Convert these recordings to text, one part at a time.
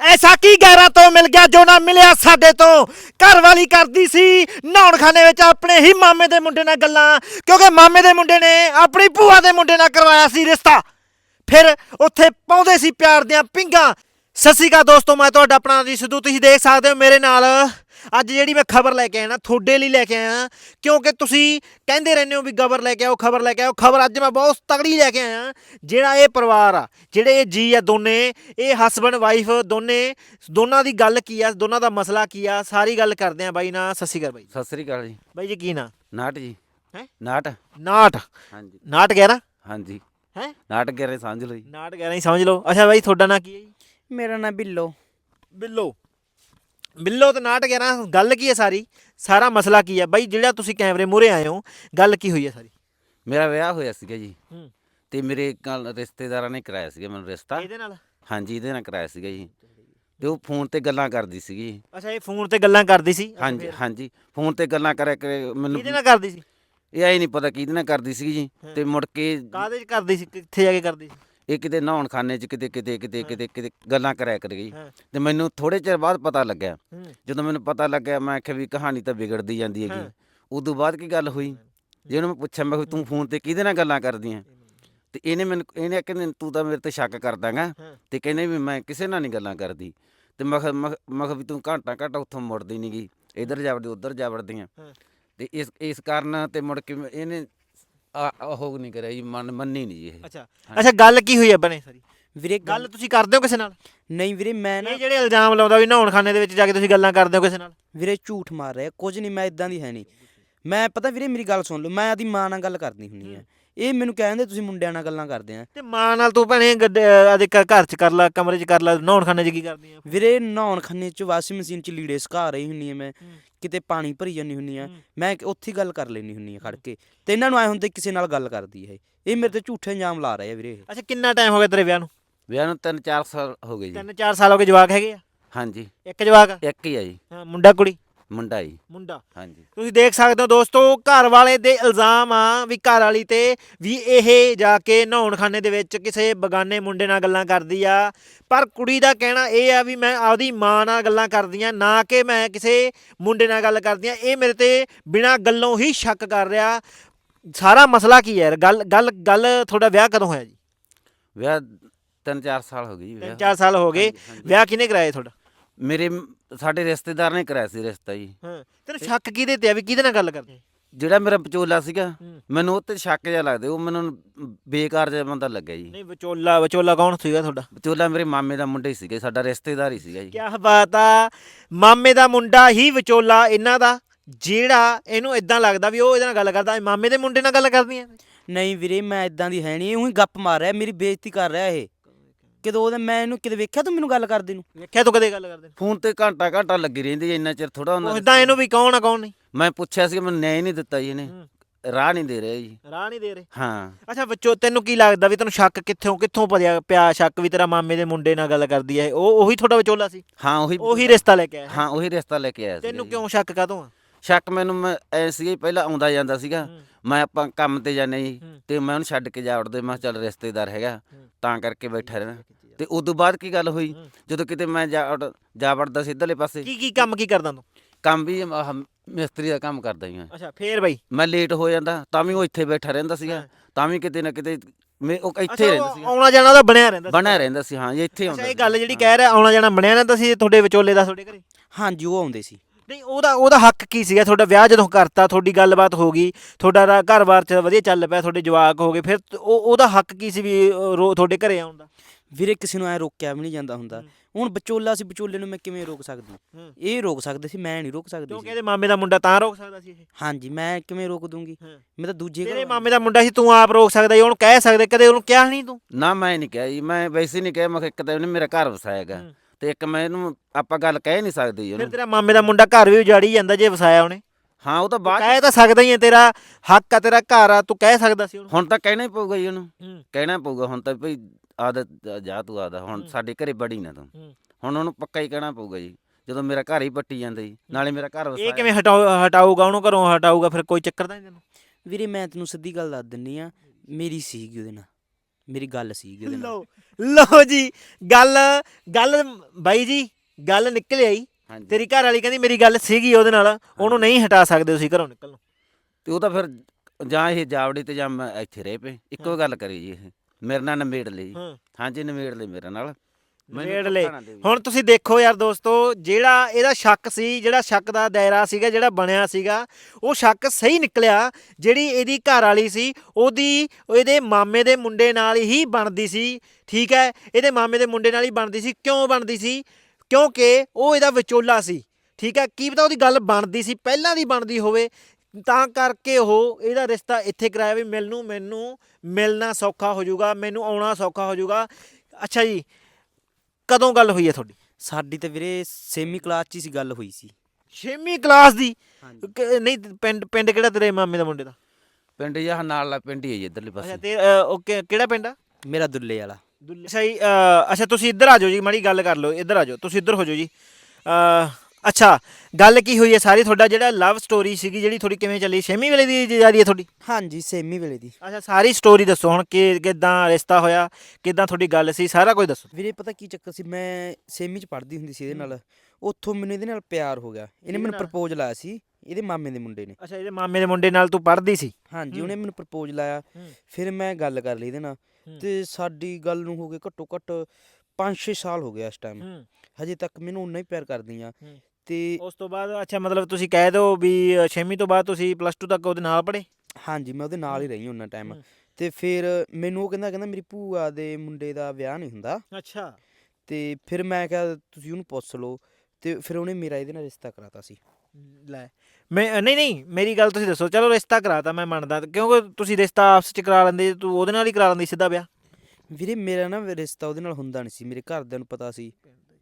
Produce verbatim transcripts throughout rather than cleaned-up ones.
ਐਸਾ ਕੀ ਗੈਰਾਂ ਤੋਂ ਮਿਲ ਗਿਆ ਜੋ ਨਾ ਮਿਲਿਆ ਸਾਡੇ ਤੋਂ। ਘਰ ਵਾਲੀ ਕਰਦੀ ਸੀ ਨਹਾਉਣ ਖਾਨੇ ਵਿੱਚ ਆਪਣੇ ਹੀ ਮਾਮੇ ਦੇ ਮੁੰਡੇ ਨਾਲ ਗੱਲਾਂ, ਕਿਉਂਕਿ ਮਾਮੇ ਦੇ ਮੁੰਡੇ ਨੇ ਆਪਣੀ ਭੂਆ ਦੇ ਮੁੰਡੇ ਨਾਲ ਕਰਵਾਇਆ ਸੀ ਰਿਸ਼ਤਾ। ਫਿਰ ਉੱਥੇ ਪਾਉਂਦੇ ਸੀ ਪਿਆਰ ਦੀਆਂ ਪਿੰਗਾਂ। ਸਤਿ ਸ਼੍ਰੀ ਅਕਾਲ ਦੋਸਤੋ, ਮੈਂ ਤੁਹਾਡਾ ਆਪਣਾ ਜੀ ਸਿੱਧੂ। ਤੁਸੀਂ ਦੇਖ ਸਕਦੇ ਹੋ ਮੇਰੇ ਨਾਲ ਅੱਜ ਜਿਹੜੀ ਮੈਂ ਖਬਰ ਲੈ ਕੇ ਆਇਆ ਨਾ, ਤੁਹਾਡੇ ਲਈ ਲੈ ਕੇ ਆਇਆ, ਕਿਉਂਕਿ ਤੁਸੀਂ ਕਹਿੰਦੇ ਰਹਿੰਦੇ ਹੋ ਵੀ ਖਬਰ ਲੈ ਕੇ ਆਓ, ਖਬਰ ਲੈ ਕੇ ਆਓ। ਖਬਰ ਅੱਜ ਮੈਂ ਬਹੁਤ ਤਗੜੀ ਲੈ ਕੇ ਆਇਆ। ਜਿਹੜਾ ਇਹ ਪਰਿਵਾਰ ਆ, ਜਿਹੜੇ ਇਹ ਜੀ ਆ ਦੋਨੇ, ਇਹ ਹਸਬੈਂਡ ਵਾਈਫ ਦੋਨੇ, ਦੋਨਾਂ ਦੀ ਗੱਲ ਕੀ ਆ, ਦੋਨਾਂ ਦਾ ਮਸਲਾ ਕੀ ਆ, ਸਾਰੀ ਗੱਲ ਕਰਦੇ ਆ ਬਾਈ ਨਾਲ। ਸਤਿ ਸ਼੍ਰੀ ਅਕਾਲ ਬਾਈ। ਸਤਿ ਸ੍ਰੀ ਅਕਾਲ ਜੀ। ਬਾਈ ਜੀ ਕੀ ਨਾਂ? ਨਾਟ ਜੀ। ਹੈ ਨਾਟ। ਨਾਟ। ਹਾਂਜੀ ਨਾਟ ਗਿਆਰਾਂ। ਹਾਂਜੀ ਹੈ ਨਾਟ ਗਿਆਰਾਂ ਸਮਝ ਲਓ ਜੀ। ਨਾਟ ਗਿਆਰਾਂ ਹੀ ਸਮਝ ਲਓ। ਅੱਛਾ ਬਾਈ ਤੁਹਾਡਾ ਨਾਂ ਕੀ ਹੈ ਜੀ? ਮੇਰਾ ਨਾਂ ਬਿੱਲੋ। ਬਿੱਲੋ। ਬਿੱਲੋ ਤੇ ਨਾਟ ਗਿਆਰਾਂ। ਗੱਲ ਕੀ ਹੈ ਸਾਰੀ, ਸਾਰਾ ਮਸਲਾ ਕੀ ਹੈ ਬਾਈ? ਜਿਹੜਾ ਤੁਸੀਂ ਕੈਮਰੇ ਮੂਹਰੇ ਆਏ ਹੋ, ਗੱਲ ਕੀ ਹੋਈ ਹੈ ਸਾਰੀ? ਮੇਰਾ ਵਿਆਹ ਹੋਇਆ ਸੀਗਾ ਜੀ, ਹੂੰ। ਤੇ ਮੇਰੇ ਨਾਲ ਰਿਸ਼ਤੇਦਾਰਾਂ ਨੇ ਕਰਾਇਆ ਸੀਗਾ ਮੈਨੂੰ ਰਿਸ਼ਤਾ। ਇਹਦੇ ਨਾਲ? ਹਾਂਜੀ ਇਹਦੇ ਨਾਲ ਕਰਾਇਆ ਸੀਗਾ ਜੀ, ਤੇ ਉਹ ਫੋਨ ਤੇ ਗੱਲਾਂ ਕਰਦੀ ਸੀਗੀ। ਅੱਛਾ ਇਹ ਫੋਨ ਤੇ ਗੱਲਾਂ ਕਰਦੀ ਸੀ? ਅੱਛਾ ਹਾਂਜੀ ਫਿਰ? ਹਾਂਜੀ ਫੋਨ ਤੇ ਗੱਲਾਂ ਕਰਿਆ ਕਰੇ ਮੈਨੂੰ ਕਿਹਦੇ ਨਾਲ ਕਰਦੀ ਸੀ? ਇਹ ਆਈ ਨਹੀਂ ਪਤਾ ਕਿਹਦੇ ਨਾਲ ਕਰਦੀ ਸੀਗੀ ਜੀ। ਹਾਂ। ਤੇ ਮੁੜ ਕੇ ਕਾਹਦੇ ਚ ਕਰਦੀ ਸੀ, ਕਿੱਥੇ ਜਾ ਕੇ ਕਰਦੀ ਸੀ? ਇਹ ਕਿਤੇ ਨਹਾਉਣ ਖਾਨੇ 'ਚ ਕਿਤੇ ਕਿਤੇ ਕਿਤੇ ਹਾਂ। ਕਿਤੇ ਕਿਤੇ ਗੱਲਾਂ ਕਰਿਆ ਕਰ ਗਈ। ਹਾਂ। ਤੇ ਮੈਨੂੰ ਥੋੜੇ ਚਿਰ ਬਾਅਦ ਪਤਾ ਲੱਗਿਆ। ਹੂੰ। ਜਦੋਂ ਮੈਨੂੰ ਪਤਾ ਲੱਗਿਆ ਮੈਂ ਆਖਿਆ ਵੀ ਕਹਾਣੀ ਤਾਂ ਵਿਗੜਦੀ ਜਾਂਦੀ ਹਾਂ। ਹੈਗੀ। ਉਦੋਂ ਬਾਅਦ ਕੀ ਗੱਲ ਹੋਈ, ਜੇ ਉਹਨੂੰ ਮੈਂ ਪੁੱਛਿਆ ਮੈਂ ਕਿਹਾ ਤੂੰ ਫੋਨ ਤੇ ਕਿਹਦੇ ਨਾਲ ਗੱਲਾਂ ਕਰਦੀ ਆਂ, ਤੇ ਇਹਨੇ ਮੈਨੂੰ ਇਹਨੇ ਕਹਿੰਦੇ ਤੂੰ ਤਾਂ ਮੇਰੇ ਤੇ ਸ਼ੱਕ ਕਰਦਾਂਗਾ, ਹਾਂ। ਤੇ ਕਹਿੰਦੇ ਵੀ ਮੈਂ ਕਿਸੇ ਨਾਲ ਨਹੀਂ ਗੱਲਾਂ ਕਰਦੀ। ਤੇ ਮੈਂ ਕਿਹਾ ਮੈਂ ਕਿਹਾ- ਮੈਂ ਕਿਹਾ ਵੀ ਤੂੰ ਘੰਟਾ ਘੰਟਾ ਉੱਥੋਂ ਮੁੜਦੀ ਨਹੀਂ ਗਈ, ਇੱਧਰ ਜਾਵੜਦੀ ਉੱਧਰ ਜਾਵੜਦੀਆਂ। ਹਾਂ। ਤੇ ਇਸ ਇਸ ਕਾਰਨ ਤੇ ਮੁੜ ਕੇ ਇਹਨੇ ਆ ਉਹ ਨਹੀਂ ਕਰਿਆ ਜੀ, ਮਨ ਮੰਨੀ ਨਹੀਂ ਜੀ ਇਹ। ਅੱਛਾ ਅੱਛਾ ਗੱਲ ਕੀ ਹੋਈ ਆ ਬਣੇ ਸਾਰੀ? ਵੀਰੇ ਗੱਲ ਤੁਸੀਂ ਕਰਦੇ ਹੋ ਕਿਸੇ ਨਾਲ? ਨਹੀਂ ਵੀਰੇ, ਮੈਂ ਨਾ ਇਹ ਜਿਹੜੇ ਇਲਜ਼ਾਮ ਲਾਉਂਦਾ ਵੀ ਨਹਾਉਣ ਖਾਨੇ ਦੇ ਵਿੱਚ ਜਾ ਕੇ ਤੁਸੀਂ ਗੱਲਾਂ ਕਰਦੇ ਹੋ ਕਿਸੇ ਨਾਲ? ਵੀਰੇ ਝੂਠ ਮਾਰ ਰਿਹਾ, ਕੁਝ ਨਹੀਂ, ਮੈਂ ਇਦਾਂ ਦੀ ਹੈ ਨਹੀਂ। ਮੈਂ ਪਤਾ ਵੀਰੇ ਮੇਰੀ ਗੱਲ ਸੁਣ ਲਓ, ਮੈਂ ਆਦੀ ਮਾਂ ਨਾਲ ਗੱਲ ਕਰਦੀ ਹੁੰਦੀ ਆ, ਇਹ ਮੈਨੂੰ ਕਹਿੰਦੇ ਤੁਸੀਂ ਮੁੰਡਿਆਂ ਨਾਲ ਗੱਲਾਂ ਕਰਦੇ ਆ। ਤੇ ਮਾਂ ਨਾਲ ਤੂੰ ਭੈਣੇ ਗੱਡੇ ਆਦੇ ਘਰ ਚ ਕਰ ਲਾ, ਕਮਰੇ ਚ ਕਰ ਲਾ, ਨਹਾਉਣ ਖਾਨੇ ਚ ਕੀ ਕਰਦੀ ਆ? ਵੀਰੇ ਨਹਾਉਣ ਖਾਨੇ 'ਚ ਵਾਸ਼ਿੰਗ ਮਸ਼ੀਨ 'ਚ ਲੀੜੇ ਸੁਕਾ ਰਹੀ ਹੁੰਨੀ ਆ, ਮੈਂ ਹੂੰ। ਕਿਤੇ ਪਾਣੀ ਭਰੀ ਜਾਂਦੀ ਹੁੰਨੀ ਆ, ਹੂੰ। ਮੈਂ ਉੱਥੇ ਹੀ ਗੱਲ ਕਰ ਲੈਂਦੀ ਹੁੰਨੀ ਆ ਖੜ ਕੇ। ਤੇ ਇਹਨਾਂ ਨੂੰ ਆਏ ਹੁੰਦੇ ਕਿਸੇ ਨਾਲ ਗੱਲ ਕਰਦੀ ਹੈ। ਇਹ ਮੇਰੇ ਤੇ ਝੂਠੇ ਇਲਜ਼ਾਮ ਲਾ ਰਹੇ ਆ ਵੀਰੇ ਇਹ। ਅੱਛਾ ਕਿੰਨਾ ਟਾਈਮ ਹੋ ਗਿਆ ਤੇਰੇ ਵਿਆਹ ਨੂੰ? ਵਿਆਹ ਨੂੰ ਤਿੰਨ ਚਾਰ ਸਾਲ ਹੋ ਗਏ ਜੀ। ਤਿੰਨ ਚਾਰ ਸਾਲ ਹੋ ਗਏ। ਜਵਾਕ ਹੈਗੇ ਆ? ਹਾਂਜੀ ਇੱਕ ਜਵਾਕ ਆ? ਇੱਕ ਹੀ ਆ ਜੀ, ਹਾਂ, ਮੁੰਡਾ ਕੁੜੀ? ਮੁੰਡਾ ਜੀ। ਮੁੰਡਾ। ਹਾਂਜੀ ਤੁਸੀਂ ਦੇਖ ਸਕਦੇ ਹੋ ਦੋਸਤੋ, ਘਰ ਵਾਲੇ ਦੇ ਇਲਜ਼ਾਮ ਆ ਵੀ ਘਰ ਵਾਲੀ ਤੇ ਵੀ ਇਹ ਜਾ ਕੇ ਨਹਾਉਣ ਖਾਨੇ ਦੇ ਵਿੱਚ ਕਿਸੇ ਬਗਾਨੇ ਮੁੰਡੇ ਨਾਲ ਗੱਲਾਂ ਕਰਦੀ ਆ। ਪਰ ਕੁੜੀ ਦਾ ਕਹਿਣਾ ਇਹ ਆ ਵੀ ਮੈਂ ਆਪਦੀ ਮਾਂ ਨਾਲ ਗੱਲਾਂ ਕਰਦੀ ਆ, ਨਾ ਕਿ ਮੈਂ ਕਿਸੇ ਮੁੰਡੇ ਨਾਲ ਗੱਲ ਕਰਦੀ ਆ। ਇਹ ਮੇਰੇ ਤੇ ਬਿਨਾਂ ਗੱਲੋਂ ਹੀ ਸ਼ੱਕ ਕਰ ਰਿਹਾ। ਸਾਰਾ ਮਸਲਾ ਕੀ ਹੈ? ਗੱਲ ਗੱਲ ਗੱਲ ਤੁਹਾਡਾ ਵਿਆਹ ਕਦੋਂ ਹੋਇਆ ਜੀ? ਵਿਆਹ ਤਿੰਨ ਚਾਰ ਸਾਲ ਹੋ ਗਏ ਜੀ। ਤਿੰਨ ਵਿਆਹ ਚਾਰ ਸਾਲ ਹੋ ਗਏ। ਹਾਂਜੀ, ਹਾਂਜੀ। ਵਿਆਹ ਕਿਹਨੇ ਕਰਾਇਆ ਤੁਹਾਡਾ? ਮੇਰੇ ਸਾਡੇ ਰਿਸ਼ਤੇਦਾਰ ਨੇ ਕਰਾਇਆ ਸੀ ਰਿਸ਼ਤਾ ਜੀ। ਹਾਂ, ਤੈਨੂੰ ਸ਼ੱਕ ਕਿਹਦੇ ਤੇ ਆ ਵੀ ਕਿਹਦੇ ਨਾਲ ਗੱਲ ਕਰਦੇ? ਜਿਹੜਾ ਮੇਰਾ ਵਿਚੋਲਾ ਸੀਗਾ, ਹੂੰ। ਮੈਨੂੰ ਉਹ ਤੇ ਸ਼ੱਕ ਜਿਹਾ ਲੱਗਦਾ, ਉਹ ਮੈਨੂੰ ਬੇਕਾਰ ਜਿਹਾ ਬੰਦਾ ਲੱਗਿਆ ਜੀ। ਨਹੀਂ ਵਿਚੋਲਾ, ਵਿਚੋਲਾ ਕੌਣ ਸੀਗਾ ਤੁਹਾਡਾ? ਵਿਚੋਲਾ ਮੇਰੇ ਮਾਮੇ ਦਾ ਮੁੰਡਾ ਹੀ ਸੀਗਾ, ਸਾਡਾ ਰਿਸ਼ਤੇਦਾਰ ਹੀ ਸੀਗਾ ਜੀ। ਕਿਆ ਬਾਤ ਆ, ਮਾਮੇ ਦਾ ਮੁੰਡਾ ਹੀ ਵਿਚੋਲਾ ਇਹਨਾਂ ਦਾ, ਜਿਹੜਾ ਇਹਨੂੰ ਇਦਾਂ ਲੱਗਦਾ ਵੀ ਉਹ ਇਹਦੇ ਨਾਲ ਗੱਲ ਕਰਦਾ। ਮਾਮੇ ਦੇ ਮੁੰਡੇ ਨਾਲ ਗੱਲ ਕਰਦੀਆਂ? ਨਹੀਂ ਵੀਰੇ, ਮੈਂ ਇਦਾਂ ਦੀ ਹੈ ਨਹੀਂ, ਉਹੀ ਗੱਪ ਮਾਰ ਰਿਹਾ, ਮੇਰੀ ਬੇਇੱਜ਼ਤੀ ਕਰ ਰਿਹਾ ਇਹ। ਕਿਦੋਂ ਉਹਦਾ ਮੈਂ ਇਹਨੂੰ ਕਿਤੇ ਵੇਖਿਆ ਤੂੰ ਮੈਨੂੰ ਗੱਲ ਕਰਦੇ ਨੂੰ? ਵੇਖਿਆ ਤੂੰ ਕਦੇ ਗੱਲ ਕਰਦੇ? ਫੋਨ ਤੇ ਘੰਟਾ ਘੰਟਾ ਲੱਗੀ ਰਹਿੰਦੀ ਹੈ, ਇੰਨਾ ਚਿਰ ਥੋੜਾ ਹੁੰਦਾ। ਪੁੱਛਦਾ ਇਹਨੂੰ ਵੀ ਕੌਣ ਆ ਕੌਣ ਨਹੀਂ? ਮੈਂ ਪੁੱਛਿਆ ਸੀ, ਮੈਨੂੰ ਨਿਆਂ ਹੀ ਨਹੀਂ ਦਿੱਤਾ ਜੀ ਇਹਨੇ, ਹੂੰ। ਰਾਹ ਨਹੀਂ ਦੇ ਰਿਹਾ ਜੀ। ਰਾਹ ਨਹੀਂ ਦੇ ਰਹੇ? ਹਾਂ ਅੱਛਾ ਵਿੱਚੋਂ ਤੈਨੂੰ ਕੀ ਲੱਗਦਾ ਵੀ ਤੈਨੂੰ ਸ਼ੱਕ ਕਿੱਥੋਂ ਕਿੱਥੋਂ ਪਿਆ ਪਿਆ ਸ਼ੱਕ ਵੀ ਤੇਰਾ ਮਾਮੇ ਦੇ ਮੁੰਡੇ ਨਾਲ ਗੱਲ ਕਰਦੀ ਹੈ? ਉਹ ਉਹੀ ਤੁਹਾਡਾ ਵਿਚੋਲਾ ਸੀ? ਹਾਂ ਉਹੀ ਉਹੀ ਰਿਸ਼ਤਾ ਲੈ ਕੇ ਆਇਆ? ਹਾਂ ਉਹੀ ਰਿਸ਼ਤਾ ਲੈ ਕੇ ਆਇਆ ਸੀ। ਤੈਨੂੰ ਕਿਉਂ ਸ਼ੱਕ ਕਾਹਤੋਂ ਆ? ਸ਼ੱਕ ਮੈਨੂੰ ਮੈਂ ਐ ਸੀ ਪਹਿਲਾਂ ਆਉਂਦਾ ਜਾਂਦਾ ਸੀਗਾ, ਹੂੰ। ਮੈਂ ਆਪਾਂ ਕੰਮ ਤੇ ਜਾਂਦੇ ਜੀ, ਹੂੰ। ਤੇ ਮੈਂ ਉਹਨੂੰ ਛੱਡ ਕੇ ਜਾ ਵੜਦੇ, ਮੈਂ ਕਿਹਾ ਚੱਲ ਰਿਸ਼ਤੇਦਾਰ ਹੈਗਾ ਹੂੰ। ਤਾਂ ਕਰਕੇ ਬੈਠਾ ਰਹਿਣਾ। ਤੇ ਉਦੋਂ ਬਾਅਦ ਕੀ ਗੱਲ ਹੋਈ, ਹੂੰ। ਜਦੋਂ ਕਿਤੇ ਮੈਂ ਜਾ ਵੜ- ਜਾ ਵੜਦਾ ਸੀ ਇੱਧਰਲੇ ਪਾਸੇ, ਕੀ ਕੀ ਕੰਮ ਕੀ ਕਰਦਾ ਤੂੰ? ਕੰਮ ਵੀ ਆਹ ਮਿਸਤਰੀ ਦਾ ਕੰਮ ਕਰਦਾ ਹੀ ਹਾਂ। ਅੱਛਾ ਫੇਰ ਬਾਈ? ਮੈਂ ਲੇਟ ਹੋ ਜਾਂਦਾ ਤਾਂ ਵੀ ਉਹ ਇੱਥੇ ਬੈਠਾ ਰਹਿੰਦਾ ਸੀਗਾ, ਹਾਂ। ਤਾਂ ਵੀ ਕਿਤੇ ਨਾ ਕਿਤੇ ਮੈਂ ਉਹ ਇੱਥੇ ਅੱਛਾ, ਰਹਿੰਦਾ ਉਹ ਸੀਗਾ, ਆਉਣਾ ਜਾਣਾ ਉਹਦਾ ਬਣਿਆ ਰਹਿੰਦਾ ਸੀ? ਬਣਿਆ ਰਹਿੰਦਾ ਸੀ। ਹਾਂ ਜੀ ਇੱਥੇ ਅੱਛਾ ਆਉਂਦਾ ਇਹ ਗੱਲ ਜਿਹੜੀ ਹਾਂ। ਕਹਿ ਰਿਹਾ ਆਉਣਾ ਜਾਣਾ ਬਣਿਆ ਰਹਿੰਦਾ ਸੀ ਤੁਹਾਡੇ ਵਿਚੋਲੇ ਦਾ ਤੁਹਾਡੇ ਘਰੇ? ਹਾਂਜੀ, ਉਹ ਆਉਂਦੇ ਸੀ। ਨਹੀਂ ਉਹਦਾ ਉਹਦਾ ਹੱਕ ਕੀ ਸੀਗਾ? ਤੁਹਾਡਾ ਵਿਆਹ ਜਦੋਂ ਕਰਤਾ, ਤੁਹਾਡੀ ਗੱਲਬਾਤ ਹੋ ਗਈ, ਤੁਹਾਡਾ ਰਾ- ਘਰ-ਬਾਰ ਚ ਵਧੀਆ ਚੱਲ ਪਿਆ, ਤੁਹਾਡੇ ਜਵਾਕ ਹੋ ਗਏ, ਫਿਰ ਉਹ ਉਹਦਾ ਹੱਕ ਕੀ ਸੀ ਵੀ ਅਹ, ਰੋ ਤੁਹਾਡੇ ਘਰੇ ਆਉਣ ਦਾ? ਵੀਰੇ ਕਿਸੇ ਨੂੰ ਐ ਰੋਕਿਆ ਵੀ ਨਹੀਂ ਜਾਂਦਾ ਹੁੰਦਾ। ਹੁਣ ਵਿਚੋਲਾ ਸੀ, ਵਿਚੋਲੇ ਨੂੰ ਮੈਂ ਕਿਵੇਂ ਰੋਕ ਸਕਦੀ? ਹੂੰ। ਇਹ ਰੋਕ ਸਕਦੇ ਸੀ, ਮੈਂ ਨਹੀਂ ਰੋਕ ਸਕਦੀ ਕਿਉਂਕਿ ਸੀ। ਇਹਦੇ ਮਾਮੇ ਦਾ ਮੁੰਡਾ ਤਾਂ ਰੋਕ ਸਕਦਾ ਸੀ ਇਹ? ਹਾਂਜੀ, ਮੈਂ ਕਿਵੇਂ ਰੋਕ ਦੂੰਗੀ? ਹਾਂ। ਮੈਂ ਤਾਂ ਦੂਜੇ ਤੇਰੇ ਘਰੋਂ ਮਾਮੇ ਦਾ ਮੁੰਡਾ ਸੀ, ਤੂੰ ਆਪ ਰੋਕ ਸਕਦਾ ਸੀ, ਉਹਨੂੰ ਕਹਿ ਸਕਦੇ, ਕਦੇ ਉਹਨੂੰ ਕਿਹਾ ਨਹੀਂ ਤੂੰ? ਨਾ ਮੈਂ ਨਹੀਂ ਕਿਹਾ ਜੀ, ਮੈਂ ਵੈਸੇ ਨਹੀਂ ਕਿਹਾ, ਮੈਂ ਕਿਹਾ ਇੱਕ ਤਾਂ ਉਹਨੇ ਮੇਰਾ ਘਰ ਵਸਾਇਆਗਾ, ਹੂੰ। ਤੇ ਇੱਕ ਮੈਂ ਇਹਨੂੰ ਆਪਾਂ ਗੱਲ ਕਹਿ ਨਹੀਂ ਸਕਦੇ ਜੀ ਫਿਰ ਉਹਨੂੰ। ਤੇਰਾ ਮਾਮੇ ਦਾ ਮੁੰਡਾ ਘਰ ਵੀ ਉਜਾੜੀ ਜਾਂਦਾ ਜੇ ਵਸਾਇਆ ਉਹਨੇ? ਹਾਂ ਉਹ ਤਾਂ ਤੂੰ ਬਾਅਦ ਕਹਿ ਤਾਂ ਸਕਦਾ ਹੀ ਹੈ, ਤੇਰਾ ਹੱਕ ਆ, ਤੇਰਾ ਘਰ ਆ, ਤੂੰ ਕਹਿ ਸਕਦਾ ਸੀ ਉਹਨੂੰ। ਹੁਣ ਤਾਂ ਕਹਿਣਾ ਹੀ ਪਊਗਾ ਜੀ ਉਹਨੂੰ, ਹੂੰ। ਕਹਿਣਾ ਪਊਗਾ ਹੁਣ ਤਾਂ ਭਈ ਆਦਤ ਜਾ ਤੂੰ ਆਦਾ, ਹੁਣ ਹੂੰ। ਸਾਡੇ ਘਰੇ ਬੜੀ ਨਾ ਤੂੰ, ਹੂੰ। ਹੁਣ ਉਹਨੂੰ ਪੱਕਾ ਹੀ ਕਹਿਣਾ ਪਊਗਾ ਜੀ, ਜਦੋਂ ਮੇਰਾ ਘਰ ਹੀ ਪੱਟੀ ਜਾਂਦਾ ਜੀ, ਨਾਲੇ ਮੇਰਾ ਘਰ ਇਹ ਵਸਾਇਆ। ਕਿਵੇਂ ਹਟਾਉ ਹਟਾਊਗਾ ਉਹਨੂੰ ਘਰੋਂ ਹਟਾਊਗਾ? ਫਿਰ ਕੋਈ ਚੱਕਰ ਤਾਂ ਨਹੀਂ ਤੈਨੂੰ? ਵੀਰੇ ਮੈਂ ਤੈਨੂੰ ਸਿੱਧੀ ਗੱਲ ਦੱਸ ਦਿੰਨੀ ਆ, ਮੇਰੀ ਸੀਗੀ ਉਹਦੇ ਨਾਲ, ਮੇਰੀ ਗੱਲ ਸੀਗੀ ਉਹਦੇ ਨਾਲ। ਲਓ ਲਓ ਜੀ ਗੱਲ ਗੱਲ ਬਾਈ ਜੀ ਗੱਲ ਨਿਕਲ ਆਈ ਹਾਂਜੀ ਤੇਰੀ ਘਰ ਵਾਲੀ ਕਹਿੰਦੀ ਮੇਰੀ ਗੱਲ ਸੀਗੀ ਉਹਦੇ ਨਾਲ ਉਹਨੂੰ ਨਹੀਂ ਹਟਾ ਸਕਦੇ ਤੁਸੀਂ ਘਰੋਂ ਨਿਕਲਣ ਤੇ ਉਹ ਤਾਂ ਫਿਰ ਜਾਂ ਇਹ ਜਾਵੜੀ ਤੇ ਜਾਂ ਮੈਂ ਇੱਥੇ ਰਹਿ ਪਏ ਇੱਕੋ ਗੱਲ ਕਰੀ ਜੀ ਇਹ ਮੇਰੇ ਨਾਲ ਨਿਬੇੜ ਲਈ ਹਾਂ ਹਾਂਜੀ ਨਿਬੇੜ ਲਈ ਮੇਰੇ ਨਾਲ ਮੈਨੂੰ ਨਿਬੇੜ ਲਏ। ਧੋਖਾ ਨਾ ਦੇਵੀ। ਹੁਣ ਤੁਸੀਂ ਦੇਖੋ ਯਾਰ ਦੋਸਤੋ ਜਿਹੜਾ ਇਹਦਾ ਸ਼ੱਕ ਸੀ ਜਿਹੜਾ ਸ਼ੱਕ ਦਾ ਦਾਇਰਾ ਸੀਗਾ ਜਿਹੜਾ ਬਣਿਆ ਸੀਗਾ ਉਹ ਸ਼ੱਕ ਸਹੀ ਨਿਕਲਿਆ ਜਿਹੜੀ ਇਹਦੀ ਘਰ ਵਾਲੀ ਸੀ ਉਹਦੀ ਇਹਦੇ ਮਾਮੇ ਦੇ ਮੁੰਡੇ ਨਾਲ ਹੀ ਬਣਦੀ ਸੀ ਠੀਕ ਹੈ ਇਹਦੇ ਮਾਮੇ ਦੇ ਮੁੰਡੇ ਨਾਲ ਹੀ ਬਣਦੀ ਸੀ ਕਿਉਂ ਬਣਦੀ ਸੀ ਕਿਉਂਕਿ ਉਹ ਇਹਦਾ ਵਿਚੋਲਾ ਸੀ ਠੀਕ ਹੈ ਕੀ ਪਤਾ ਉਹਦੀ ਗੱਲ ਬਣਦੀ ਸੀ ਪਹਿਲਾਂ ਦੀ ਬਣਦੀ ਹੋਵੇ ਤਾਂ ਕਰਕੇ ਉਹ ਇਹਦਾ ਰਿਸ਼ਤਾ ਇੱਥੇ ਕਰਾਇਆ ਵੀ ਮੈਨੂੰ ਮੈਨੂੰ ਮਿਲਣਾ ਸੌਖਾ ਹੋ ਜਾਊਗਾ ਮੈਨੂੰ ਆਉਣਾ ਸੌਖਾ ਹੋ ਜਾਊਗਾ ਅੱਛਾ ਜੀ ਕਦੋਂ ਗੱਲ ਹੋਈ ਹੈ ਤੁਹਾਡੀ ਸਾਡੀ ਤਾਂ ਵੀਰੇ ਸੇਮੀ ਕਲਾਸ 'ਚ ਹੀ ਸੀ ਗੱਲ ਹੋਈ ਸੀ। ਛੇਵੀਂ ਕਲਾਸ ਦੀ ਹਾਂਜੀ ਕਿ- ਨਹੀਂ ਪਿੰਡ ਪਿੰਡ ਕਿਹੜਾ ਤੇਰੇ ਮਾਮੇ ਦਾ ਮੁੰਡੇ ਦਾ ਪਿੰਡ ਜਾਂ ਨਾਲ ਲਾ ਪਿੰਡ ਹੀ ਹੈ ਜੀ ਇੱਧਰਲੇ ਅੱਛਾ ਪਾਸੇ ਤੇ ਅ, ਉਹ ਕਿ- ਕਿਹੜਾ ਪਿੰਡ ਆ ਮੇਰਾ ਦੁੱਲੇ ਵਾਲਾ। ਅੱਛਾ ਜੀ ਅ, ਅੱਛਾ ਤੁਸੀਂ ਇੱਧਰ ਆ ਜਾਓ ਜੀ ਮਾੜੀ ਗੱਲ ਕਰ ਲਓ ਇੱਧਰ ਆ ਜਾਓ ਤੁਸੀਂ ਇੱਧਰ ਹੋ ਜਾਓ ਜੀ ਅ, ਅੱਛਾ ਗੱਲ ਕੀ ਹੋਈ ਹੈ ਸਾਰੀ ਤੁਹਾਡਾ ਜਿਹੜਾ ਲਵ ਸਟੋਰੀ ਸੀਗੀ ਜਿਹੜੀ ਤੁਹਾਡੀ ਕਿਵੇਂ ਚੱਲੀ ਛੇਵੀਂ ਵੇਲੇ ਦੀ ਜਾ ਰਹੀ ਹੈ ਤੁਹਾਡੀ ਹਾਂਜੀ ਸੇਮੀ ਵੇਲੇ ਦੀ। ਅੱਛਾ ਸਾਰੀ ਸਟੋਰੀ ਦੱਸੋ ਹੁਣ ਕਿ ਕਿਦਾਂ ਰਿਸ਼ਤਾ ਹੋਇਆ ਕਿਦਾਂ ਤੁਹਾਡੀ ਗੱਲ ਸੀ ਸਾਰਾ ਕੁਝ ਦੱਸੋ ਵੀਰੇ ਪਤਾ ਕੀ ਚੱਕਰ ਸੀ ਮੈਂ ਸੇਮੀ 'ਚ ਪੜ੍ਹਦੀ ਹੁੰਦੀ ਸੀ ਇਹਦੇ ਨਾਲ ਉੱਥੋਂ ਮੈਨੂੰ ਇਹਦੇ ਨਾਲ ਪਿਆਰ ਹੋ ਗਿਆ ਇਹਨੇ ਮੈਨੂੰ ਨਾਲ? ਪ੍ਰਪੋਜ਼ ਲਾਇਆ ਸੀ ਇਹਦੇ ਮਾਮੇ ਦੇ ਮੁੰਡੇ ਨੇ। ਅੱਛਾ ਇਹਦੇ ਮਾਮੇ ਦੇ ਮੁੰਡੇ ਨਾਲ ਤੂੰ ਪੜ੍ਹਦੀ ਸੀ ਹਾਂਜੀ ਹੂੰ। ਉਹਨੇ ਮੈਨੂੰ ਪ੍ਰਪੋਜ਼ ਲਾਇਆ ਹੂੰ। ਫਿਰ ਮੈਂ ਗੱਲ ਕਰ ਲਈ ਇਹਦੇ ਨਾਲ ਹੂੰ। ਤੇ ਸਾਡੀ ਗੱਲ ਨੂੰ ਹੋ ਗਏ ਘੱਟੋ ਘੱਟ ਪੰਜ ਛੇ ਸਾਲ ਹੋ ਗਿਆ ਇਸ ਟਾਈਮ ਹੂੰ ਹਜੇ ਤੱਕ ਮੈਨੂੰ ਉਨਾ ਹੀ ਪਿਆਰ ਕਰਦੀ ਆ ਹੂੰ। ਤੇ ਉਸ ਤੋਂ ਬਾਅਦ ਅੱਛਾ ਮਤਲਬ ਤੁਸੀਂ ਕਹਿ ਦਿਓ ਵੀ ਛੇਵੀਂ ਤੋਂ ਬਾਅਦ ਤੁਸੀਂ ਪਲੱਸ ਟੂ ਤੱਕ ਉਹਦੇ ਨਾਲ ਪੜ੍ਹੇ ਹਾਂਜੀ ਮੈਂ ਉਹਦੇ ਨਾਲ ਹੀ ਰਹੀ ਉਹਨਾਂ ਟਾਈਮ ਹੂੰ। ਤੇ ਫਿਰ ਮੈਨੂੰ ਉਹ ਕਹਿੰਦਾ ਕਹਿੰਦਾ ਮੇਰੀ ਭੂਆ ਦੇ ਮੁੰਡੇ ਦਾ ਵਿਆਹ ਨਹੀਂ ਹੁੰਦਾ ਅੱਛਾ ਤੇ ਫਿਰ ਮੈਂ ਕਿਹਾ ਤੁਸੀਂ ਉਹਨੂੰ ਪੁੱਛ ਲਓ ਤੇ ਫਿਰ ਉਹਨੇ ਮੇਰਾ ਇਹਦੇ ਨਾਲ ਰਿਸ਼ਤਾ ਕਰਾਤਾ ਸੀ। ਲੈ ਮੈਂ ਨਹੀਂ ਨਹੀਂ ਮੇਰੀ ਗੱਲ ਤੁਸੀਂ ਦੱਸੋ ਚਲੋ ਰਿਸ਼ਤਾ ਕਰਾਤਾ ਮੈਂ ਮੰਨਦਾ ਕਿਉਂਕਿ ਤੁਸੀਂ ਰਿਸ਼ਤਾ ਆਪਸ ਚ ਕਰਾ ਲੈਂਦੇ ਤੂੰ ਉਹਦੇ ਨਾਲ ਹੀ ਕਰਾ ਲੈਂਦੀ ਸਿੱਧਾ ਵਿਆਹ ਵੀਰੇ ਮੇਰਾ ਨਾ ਰਿਸ਼ਤਾ ਉਹਦੇ ਨਾਲ ਹੁੰਦਾ ਨਹੀਂ ਸੀ ਮੇਰੇ ਘਰਦਿਆਂ ਨੂੰ ਪਤਾ ਸੀ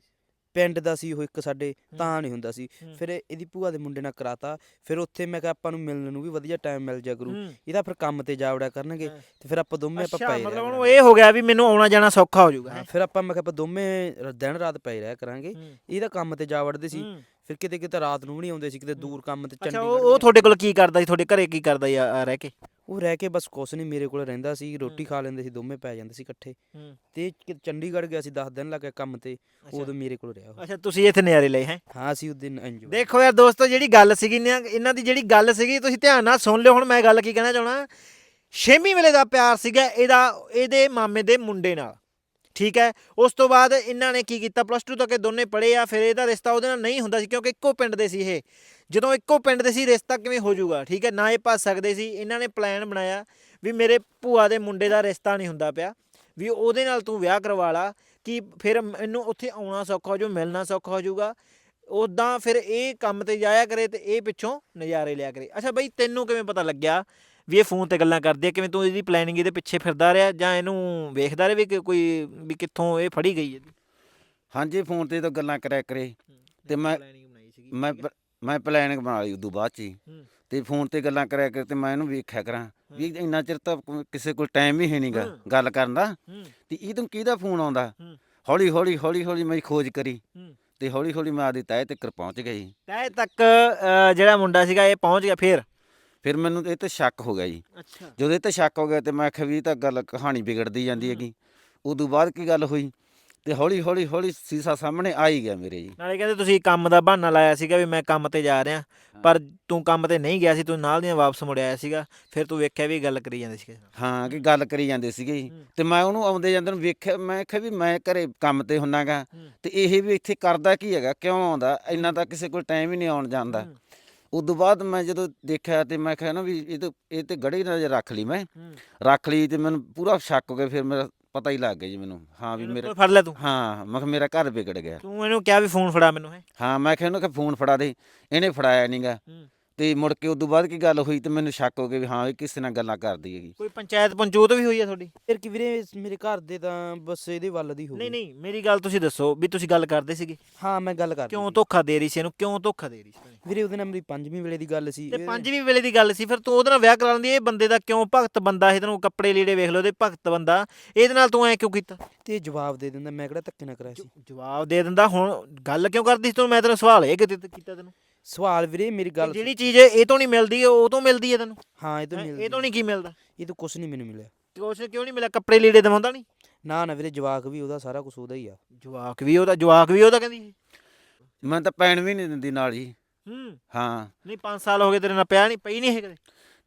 ਪਿੰਡ ਦਾ ਸੀ ਉਹ ਇੱਕ ਸਾਡੇ ਤਾਂ ਨਹੀਂ ਹੁੰਦਾ ਸੀ ਹੂੰ। ਫਿਰ ਇਹਦੀ ਭੂਆ ਦੇ ਮੁੰਡੇ ਨਾਲ ਕਰਾਤਾ ਫਿਰ ਉੱਥੇ ਮੈਂ ਕਿਹਾ ਆਪਾਂ ਨੂੰ ਮਿਲਣ ਨੂੰ ਵੀ ਵਧੀਆ ਟਾਈਮ ਮਿਲ ਜਾ ਕਰੂ ਹੂੰ। ਇਹਦਾ ਫਿਰ ਕੰਮ ਤੇ ਜਾ ਵੜਿਆ ਕਰਨਗੇ ਹਾਂ। ਤੇ ਫਿਰ ਆਪਾਂ ਦੋਵੇਂ ਆਪਾਂ ਅੱਛਾ ਪਏ ਮਤਲਬ ਰਿਹਾ ਉਹਨੂੰ ਇਹ ਹੋ ਗਿਆ ਵੀ ਮੈਨੂੰ ਆਉਣਾ ਜਾਣਾ ਸੌਖਾ ਹੋ ਜਾਊਗਾ ਹਾਂ, ਫਿਰ ਆਪਾਂ ਮੈਂ ਕਿਹਾ ਆਪਾਂ ਦੋਵੇਂ ਰ- ਦਿਨ ਰਾਤ ਪਏ ਰਿਹਾ ਕਰਾਂਗੇ ਹੂੰ। ਇਹਦਾ ਕੰਮ ਤੇ ਜਾ ਵੜਦੇ ਸੀ ਹੂੰ। ਫਿਰ ਕਿਤੇ ਕਿਤੇ ਰਾਤ ਨੂੰ ਵੀ ਨਹੀਂ ਆਉਂਦੇ ਸੀ ਕਿਤੇ ਦੂਰ ਕੰਮ ਤੇ ਅੱਛਾ ਚੰਡੀਗੜ੍ਹ ਉਹ ਵੀ ਉਹ ਜਾਂਦੇ ਤੁਹਾਡੇ ਕੋਲ ਕੀ ਕਰਦਾ ਸੀ ਤੁਹਾਡੇ ਘਰੇ ਕੀ ਕਰਦਾ ਸੀ ਆ ਆ ਰਹਿ ਕੇ ਉਹ ਰਹਿ ਕੇ ਬਸ ਕੁਛ ਨਹੀਂ ਮੇਰੇ ਕੋਲ ਰਹਿੰਦਾ ਸੀ ਰੋਟੀ ਖਾ ਲੈਂਦੇ ਸੀ ਦੋਵੇਂ ਪੈ ਜਾਂਦੇ ਸੀ ਇਕੱਠੇ ਤੇ ਕਿ- ਚੰਡੀਗੜ੍ਹ ਗਿਆ ਸੀ ਦਸ ਦਿਨ ਲੱਗ ਗਏ ਕੰਮ ਤੇ ਉਦੋਂ ਮੇਰੇ ਕੋਲ ਰਿਹਾ ਉਹ। ਅੱਛਾ ਤੁਸੀਂ ਇੱਥੇ ਨਜ਼ਾਰੇ ਲਏ ਹੈ ਹਾਂ ਅਸੀਂ ਉਸ ਦਿਨ ਇੰਜੋਏ ਦੇਖੋ ਯਾਰ ਦੋਸਤੋ ਜਿਹੜੀ ਗੱਲ ਸੀਗੀ ਇਹਨਾਂ ਇਹਨਾਂ ਦੀ ਜਿਹੜੀ ਗੱਲ ਸੀਗੀ ਤੁਸੀਂ ਧਿਆਨ ਨਾਲ ਸੁਣ ਲਿਓ ਹੁਣ ਮੈਂ ਗੱਲ ਕੀ ਕਹਿਣਾ ਚਾਹਣਾ ਛੇਵੀਂ ਵੇਲੇ ਦਾ ਪਿਆਰ ਸੀਗਾ ਇਹਦਾ ਇਹਦੇ ਮਾਮੇ ਦੇ ਮੁੰਡੇ ਨਾਲ ਠੀਕ ਹੈ ਉਸ ਤੋਂ ਬਾਅਦ ਇਹਨਾਂ ਨੇ ਕੀ ਕੀਤਾ ਪਲੱਸ ਟੂ ਤੱਕ ਇਹ ਦੋਨੇ ਪੜ੍ਹੇ ਆ ਫਿਰ ਇਹਦਾ ਰਿਸ਼ਤਾ ਉਹਦੇ ਨਾਲ ਨਹੀਂ ਹੁੰਦਾ ਸੀ ਕਿਉਂਕਿ ਇੱਕੋ ਪਿੰਡ ਦੇ ਸੀ ਇਹ ਜਦੋਂ ਇੱਕੋ ਪਿੰਡ ਦੇ ਸੀ ਰਿਸ਼ਤਾ ਕਿਵੇਂ ਹੋ ਜਾਊਗਾ ਠੀਕ ਹੈ ਨਾ ਇਹ ਭੱਜ ਸਕਦੇ ਸੀ ਇਹਨਾਂ ਨੇ ਪਲਾਨ ਬਣਾਇਆ ਵੀ ਮੇਰੇ ਭੂਆ ਦੇ ਮੁੰਡੇ ਦਾ ਰਿਸ਼ਤਾ ਨਹੀਂ ਹੁੰਦਾ ਪਿਆ ਵੀ ਉਹਦੇ ਨਾਲ ਤੂੰ ਵਿਆਹ ਕਰਵਾ ਲਾ ਕਿ ਫਿਰ ਮੈਨੂੰ ਉੱਥੇ ਆਉਣਾ ਸੌਖਾ ਹੋ ਜਾਊ ਮਿਲਣਾ ਸੌਖਾ ਹੋ ਜਾਊਗਾ ਉੱਦਾਂ ਫਿਰ ਇਹ ਕੰਮ ਤੇ ਜਾਇਆ ਕਰੇ ਤੇ ਇਹ ਪਿੱਛੋਂ ਨਜ਼ਾਰੇ ਲਿਆ ਕਰੇ ਅੱਛਾ ਬਈ ਤੈਨੂੰ ਕਿਵੇਂ ਪਤਾ ਲੱਗਿਆ ਵੀ ਇਹ ਫੋਨ ਤੇ ਗੱਲਾਂ ਕਰਦੀ ਆ ਕਿਵੇਂ ਤੂੰ ਇਹਦੀ ਪਲੈਨਿੰਗ ਇਹਦੇ ਪਿੱਛੇ ਫਿਰਦਾ ਰਿਹਾ ਜਾਂ ਇਹਨੂੰ ਵੇਖਦਾ ਰਿਹਾ ਵੀ ਕਿ ਕੋਈ ਵੀ ਕਿੱਥੋਂ ਇਹ ਫੜੀ ਗਈ ਇਹਦੀ ਹਾਂਜੀ ਫੋਨ ਤੇ ਤਾਂ ਗੱਲਾਂ ਕਰਿਆ ਕਰੇ ਤੇ ਮੈਂ ਮੈਂ ਪ- ਮੈਂ ਪਲਾਨਿੰਗ ਬਣਾ ਲਈ ਉਦੋਂ ਬਾਅਦ ਚ ਹੀ ਹੂੰ। ਤੇ ਫੋਨ ਤੇ ਗੱਲਾਂ ਕਰਿਆ ਕਰ ਤੇ ਮੈਂ ਇਹਨੂੰ ਵੇਖਿਆ ਕਰਾਂ ਵੀ ਇੰਨਾ ਚਿਰ ਤਾਂ ਕੋ- ਕਿਸੇ ਕੋਲ ਟਾਈਮ ਹੀ ਹੈ ਨਹੀਂਗਾ ਹੂੰ। ਗੱਲ ਕਰਨ ਦਾ ਹੂੰ ਤੇ ਇਹ ਤੋਂ ਕਿਹਦਾ ਫੋਨ ਆਉਂਦਾ ਹੂੰ। ਹੌਲੀ ਹੌਲੀ ਹੌਲੀ ਹੌਲੀ ਮੈਂ ਖੋਜ ਕਰੀ ਹੂੰ ਤੇ ਹੌਲੀ ਹੌਲੀ ਮੈਂ ਆਦੀ ਤਹਿ ਤੱਕ ਪਹੁੰਚ ਗਈ ਤੈ ਤੱਕ ਅ, ਜਿਹੜਾ ਮੁੰਡਾ ਸੀਗਾ ਇਹ ਪਹੁੰਚ ਗਿਆ ਫਿਰ ਫਿਰ ਮੈਨੂੰ ਇਹ ਤੇ ਸ਼ੱਕ ਹੋ ਗਿਆ ਜੀ ਅੱਛਾ ਜਦੋਂ ਇਹ ਤੇ ਸ਼ੱਕ ਹੋ ਗਿਆ ਤੇ ਮੈਂ ਆਖਿਆ ਵੀ ਇਹ ਤਾਂ ਗੱਲ ਕਹਾਣੀ ਵਿਗੜਦੀ ਜਾਂਦੀ ਹੈਗੀ ਉਦੋਂ ਬਾਅਦ ਕੀ ਗੱਲ ਹੋਈ ਤੇ ਹੌਲੀ ਹੌਲੀ ਹੌਲੀ ਸੀਸਾ ਸਾਹਮਣੇ ਆ ਹੀ ਗਿਆ ਮੇਰੇ ਜੀ ਨਾਲੇ ਕਹਿੰਦੇ ਤੁਸੀਂ ਕੰਮ ਦਾ ਬਹਾਨਾ ਲਾਇਆ ਸੀਗਾ ਵੀ ਮੈਂ ਕੰਮ ਤੇ ਜਾ ਰਿਹਾ ਪਰ ਤੂੰ ਕੰਮ ਤੇ ਨਹੀਂ ਗਿਆ ਸੀ ਤੂੰ ਨਾਲ ਦੀਆਂ ਵਾਪਸ ਮੁੜ ਆਇਆ ਸੀਗਾ ਫਿਰ ਤੂੰ ਵੇਖਿਆ ਵੀ ਗੱਲ ਕਰੀ ਜਾਂਦੇ ਸੀ ਕਿਸੇ ਨਾਲ ਹਾਂ ਕਿ ਗੱਲ ਕਰੀ ਜਾਂਦੇ ਸੀਗੇ ਜੀ ਹੂੰ। ਤੇ ਮੈਂ ਉਹਨੂੰ ਆਉਂਦੇ ਜਾਂਦੇ ਨੂੰ ਵੇਖਿਆ ਮੈਂ ਕਿਹਾ ਵੀ ਮੈਂ ਘਰੇ ਕੰਮ ਤੇ ਹੁੰਨਾਗਾ ਹੂੰ। ਤੇ ਇਹ ਵੀ ਇੱਥੇ ਕਰਦਾ ਕੀ ਹੈਗਾ ਕਿਉਂ ਆਉਂਦਾ ਇੰਨਾ ਤਾਂ ਕਿਸੇ ਕੋਲ ਟਾਈਮ ਹੀ ਨਹੀਂ ਆਉਣ ਜਾਂਦਾ ਹੂੰ। ਉਦੋਂ ਬਾਅਦ ਮੈਂ ਜਦੋਂ ਦੇਖਿਆ ਤੇ ਮੈਂ ਕਿਹਾ ਨਾ ਵੀ ਇਹ ਤਾਂ ਇਹ ਤੇ ਗੜੀ ਨਜ਼ਰ ਰੱਖ ਲਈ ਮੈਂ ਹੂੰ ਰੱਖ ਲਈ ਤੇ ਮੈਨੂੰ ਪੂਰਾ ਸ਼ੱਕ ਹੋ ਗਿਆ ਫਿਰ ਮੇਰਾ ਪਤਾ ਹੀ ਲੱਗ ਗਿਆ ਜੀ ਮੈਨੂੰ ਹਾਂ ਵੀ ਇਹਨੂੰ ਮੇਰਾ ਫੜ ਲੈ ਤੂੰ ਹਾਂ ਮੈਂ ਕਿਹਾ ਮੇਰਾ ਘਰ ਵਿਗੜ ਗਿਆ ਤੂੰ ਇਹਨੂੰ ਕਿਹਾ ਵੀ ਫੋਨ ਫੜਾ ਮੈਨੂੰ ਹੈ ਹਾਂ ਮੈਂ ਕਿਹਾ ਉਹਨੂੰ ਕਿ ਫੋਨ ਫੜਾ ਦੇ ਇਹਨੇ ਫੜਾਇਆ ਨਹੀਂਗਾ ਤੇ ਮੁੜ ਕੇ ਉਦੋਂ ਬਾਅਦ ਕੀ ਗੱਲ ਹੋਈ ਤੇ ਮੈਨੂੰ ਸ਼ੱਕ ਹੋ ਗਿਆ ਵੀ ਹਾਂ ਇਹ ਕਿਸੇ ਨਾਲ ਗੱਲਾਂ ਕਰਦੀ ਹੈਗੀ ਕੋਈ ਪੰਚਾਇਤ ਪੰਚੂਤ ਵੀ ਹੋਈ ਹੈ ਤੁਹਾਡੀ ਫਿਰ ਕਿ ਵੀਰੇ ਮੇਰੇ ਘਰ ਦੇ ਤਾਂ ਬਸ ਇਹਦੇ ਵੱਲ ਦੀ ਹੋ ਨਹੀਂ ਗਈ ਨਹੀਂ ਮੇਰੀ ਗੱਲ ਤੁਸੀਂ ਦੱਸੋ ਵੀ ਤੁਸੀਂ ਗੱਲ ਕਰਦੇ ਸੀਗੇ ਹਾਂ ਮੈਂ ਗੱਲ ਕਰ ਕਿਉਂ ਧੋਖਾ ਦੇ ਰਹੀ ਸੀ ਇਹਨੂੰ ਕਿਉਂ ਧੋਖਾ ਦੇ ਰਹੀ ਸੀ ਵੀਰੇ ਉਹਦੇ ਨਾਲ ਮੇਰੀ ਪੰਜਵੀਂ ਵੇਲੇ ਦੀ ਗੱਲ ਸੀ ਤੇ ਇਹਦੇ- ਪੰਜਵੀਂ ਵੇਲੇ ਦੀ ਗੱਲ ਸੀ ਫਿਰ ਤੂੰ ਉਹਦੇ ਨਾਲ ਵਿਆਹ ਕਰਾ ਲੈਂਦੀ ਇਹ ਬੰਦੇ ਦਾ ਕਿਉਂ ਭਗਤ ਬੰਦਾ ਇਹਦੇ ਨੂੰ ਕੱਪੜੇ ਲੀੜੇ ਵੇਖ ਲਓ ਇਹਦੇ ਭਗਤ ਬੰਦਾ ਇਹਦੇ ਨਾਲ ਤੂੰ ਐ ਕਿਉਂ ਕੀਤਾ ਤੇ ਜਵਾਬ ਦੇ ਦਿੰਦਾ ਮੈਂ ਕਿਹੜਾ ਧੱਕੇ ਨਾ ਕਰਾਇਆ ਸੀ ਜਵਾਬ ਦੇ ਦਿੰਦਾ ਹੁਣ ਗੱਲ ਕਿਉਂ ਕਰਦੀ ਸੀ ਤੂੰ ਮੈਂ ਤੈਨੂੰ ਸਵਾਲ ਇਹ ਕਿਤੇ ਕੀਤਾ ਤੈਨੂੰ ਸਵਾਲ ਵੀਰੇ ਮੇਰੀ ਗੱਲ ਜਿਹੜੀ ਚੀਜ਼ ਇਹ ਤੋਂ ਨਹੀਂ ਮਿਲਦੀ ਉਹ ਤੋਂ ਮਿਲਦੀ ਹੈ ਤੈਨੂੰ ਹਾਂ ਇਹ ਤਾਂ ਹੈਂ? ਮਿਲਦੀ ਇਹ ਤੋਂ ਨਹੀਂ ਕੀ ਮਿਲਦਾ ਇਹ ਤਾਂ ਕੁਝ ਨਹੀਂ ਮੈਨੂੰ ਮਿਲਿਆ ਕੁਛ ਕਿਉਂ ਨਹੀਂ ਮਿਲਿਆ ਕੱਪੜੇ ਲੀੜੇ ਦਵਾਉਂਦਾ ਨਹੀਂ ਨਾ ਨਾ ਵੀਰੇ ਜਵਾਕ ਵੀ ਉਹਦਾ, ਸਾਰਾ ਕੁਝ ਉਹਦਾ ਹੀ ਆ। ਜਵਾਕ ਵੀ ਉਹਦਾ ਜਵਾਕ ਵੀ ਉਹਦਾ ਕਹਿੰਦੀ ਮੈਂ ਤਾਂ ਪੈਣ ਵੀ ਨਹੀਂ ਦਿੰਦੀ ਨਾਲ ਜੀ। ਹੂੰ ਹਾਂ ਨਹੀਂ ਪੰਜ ਸਾਲ ਹੋ ਗਏ ਤੇਰੇ ਨਾਲ ਪਿਆ ਨਹੀਂ ਪਈ ਨਹੀਂ ਹੈ ਕਦੇ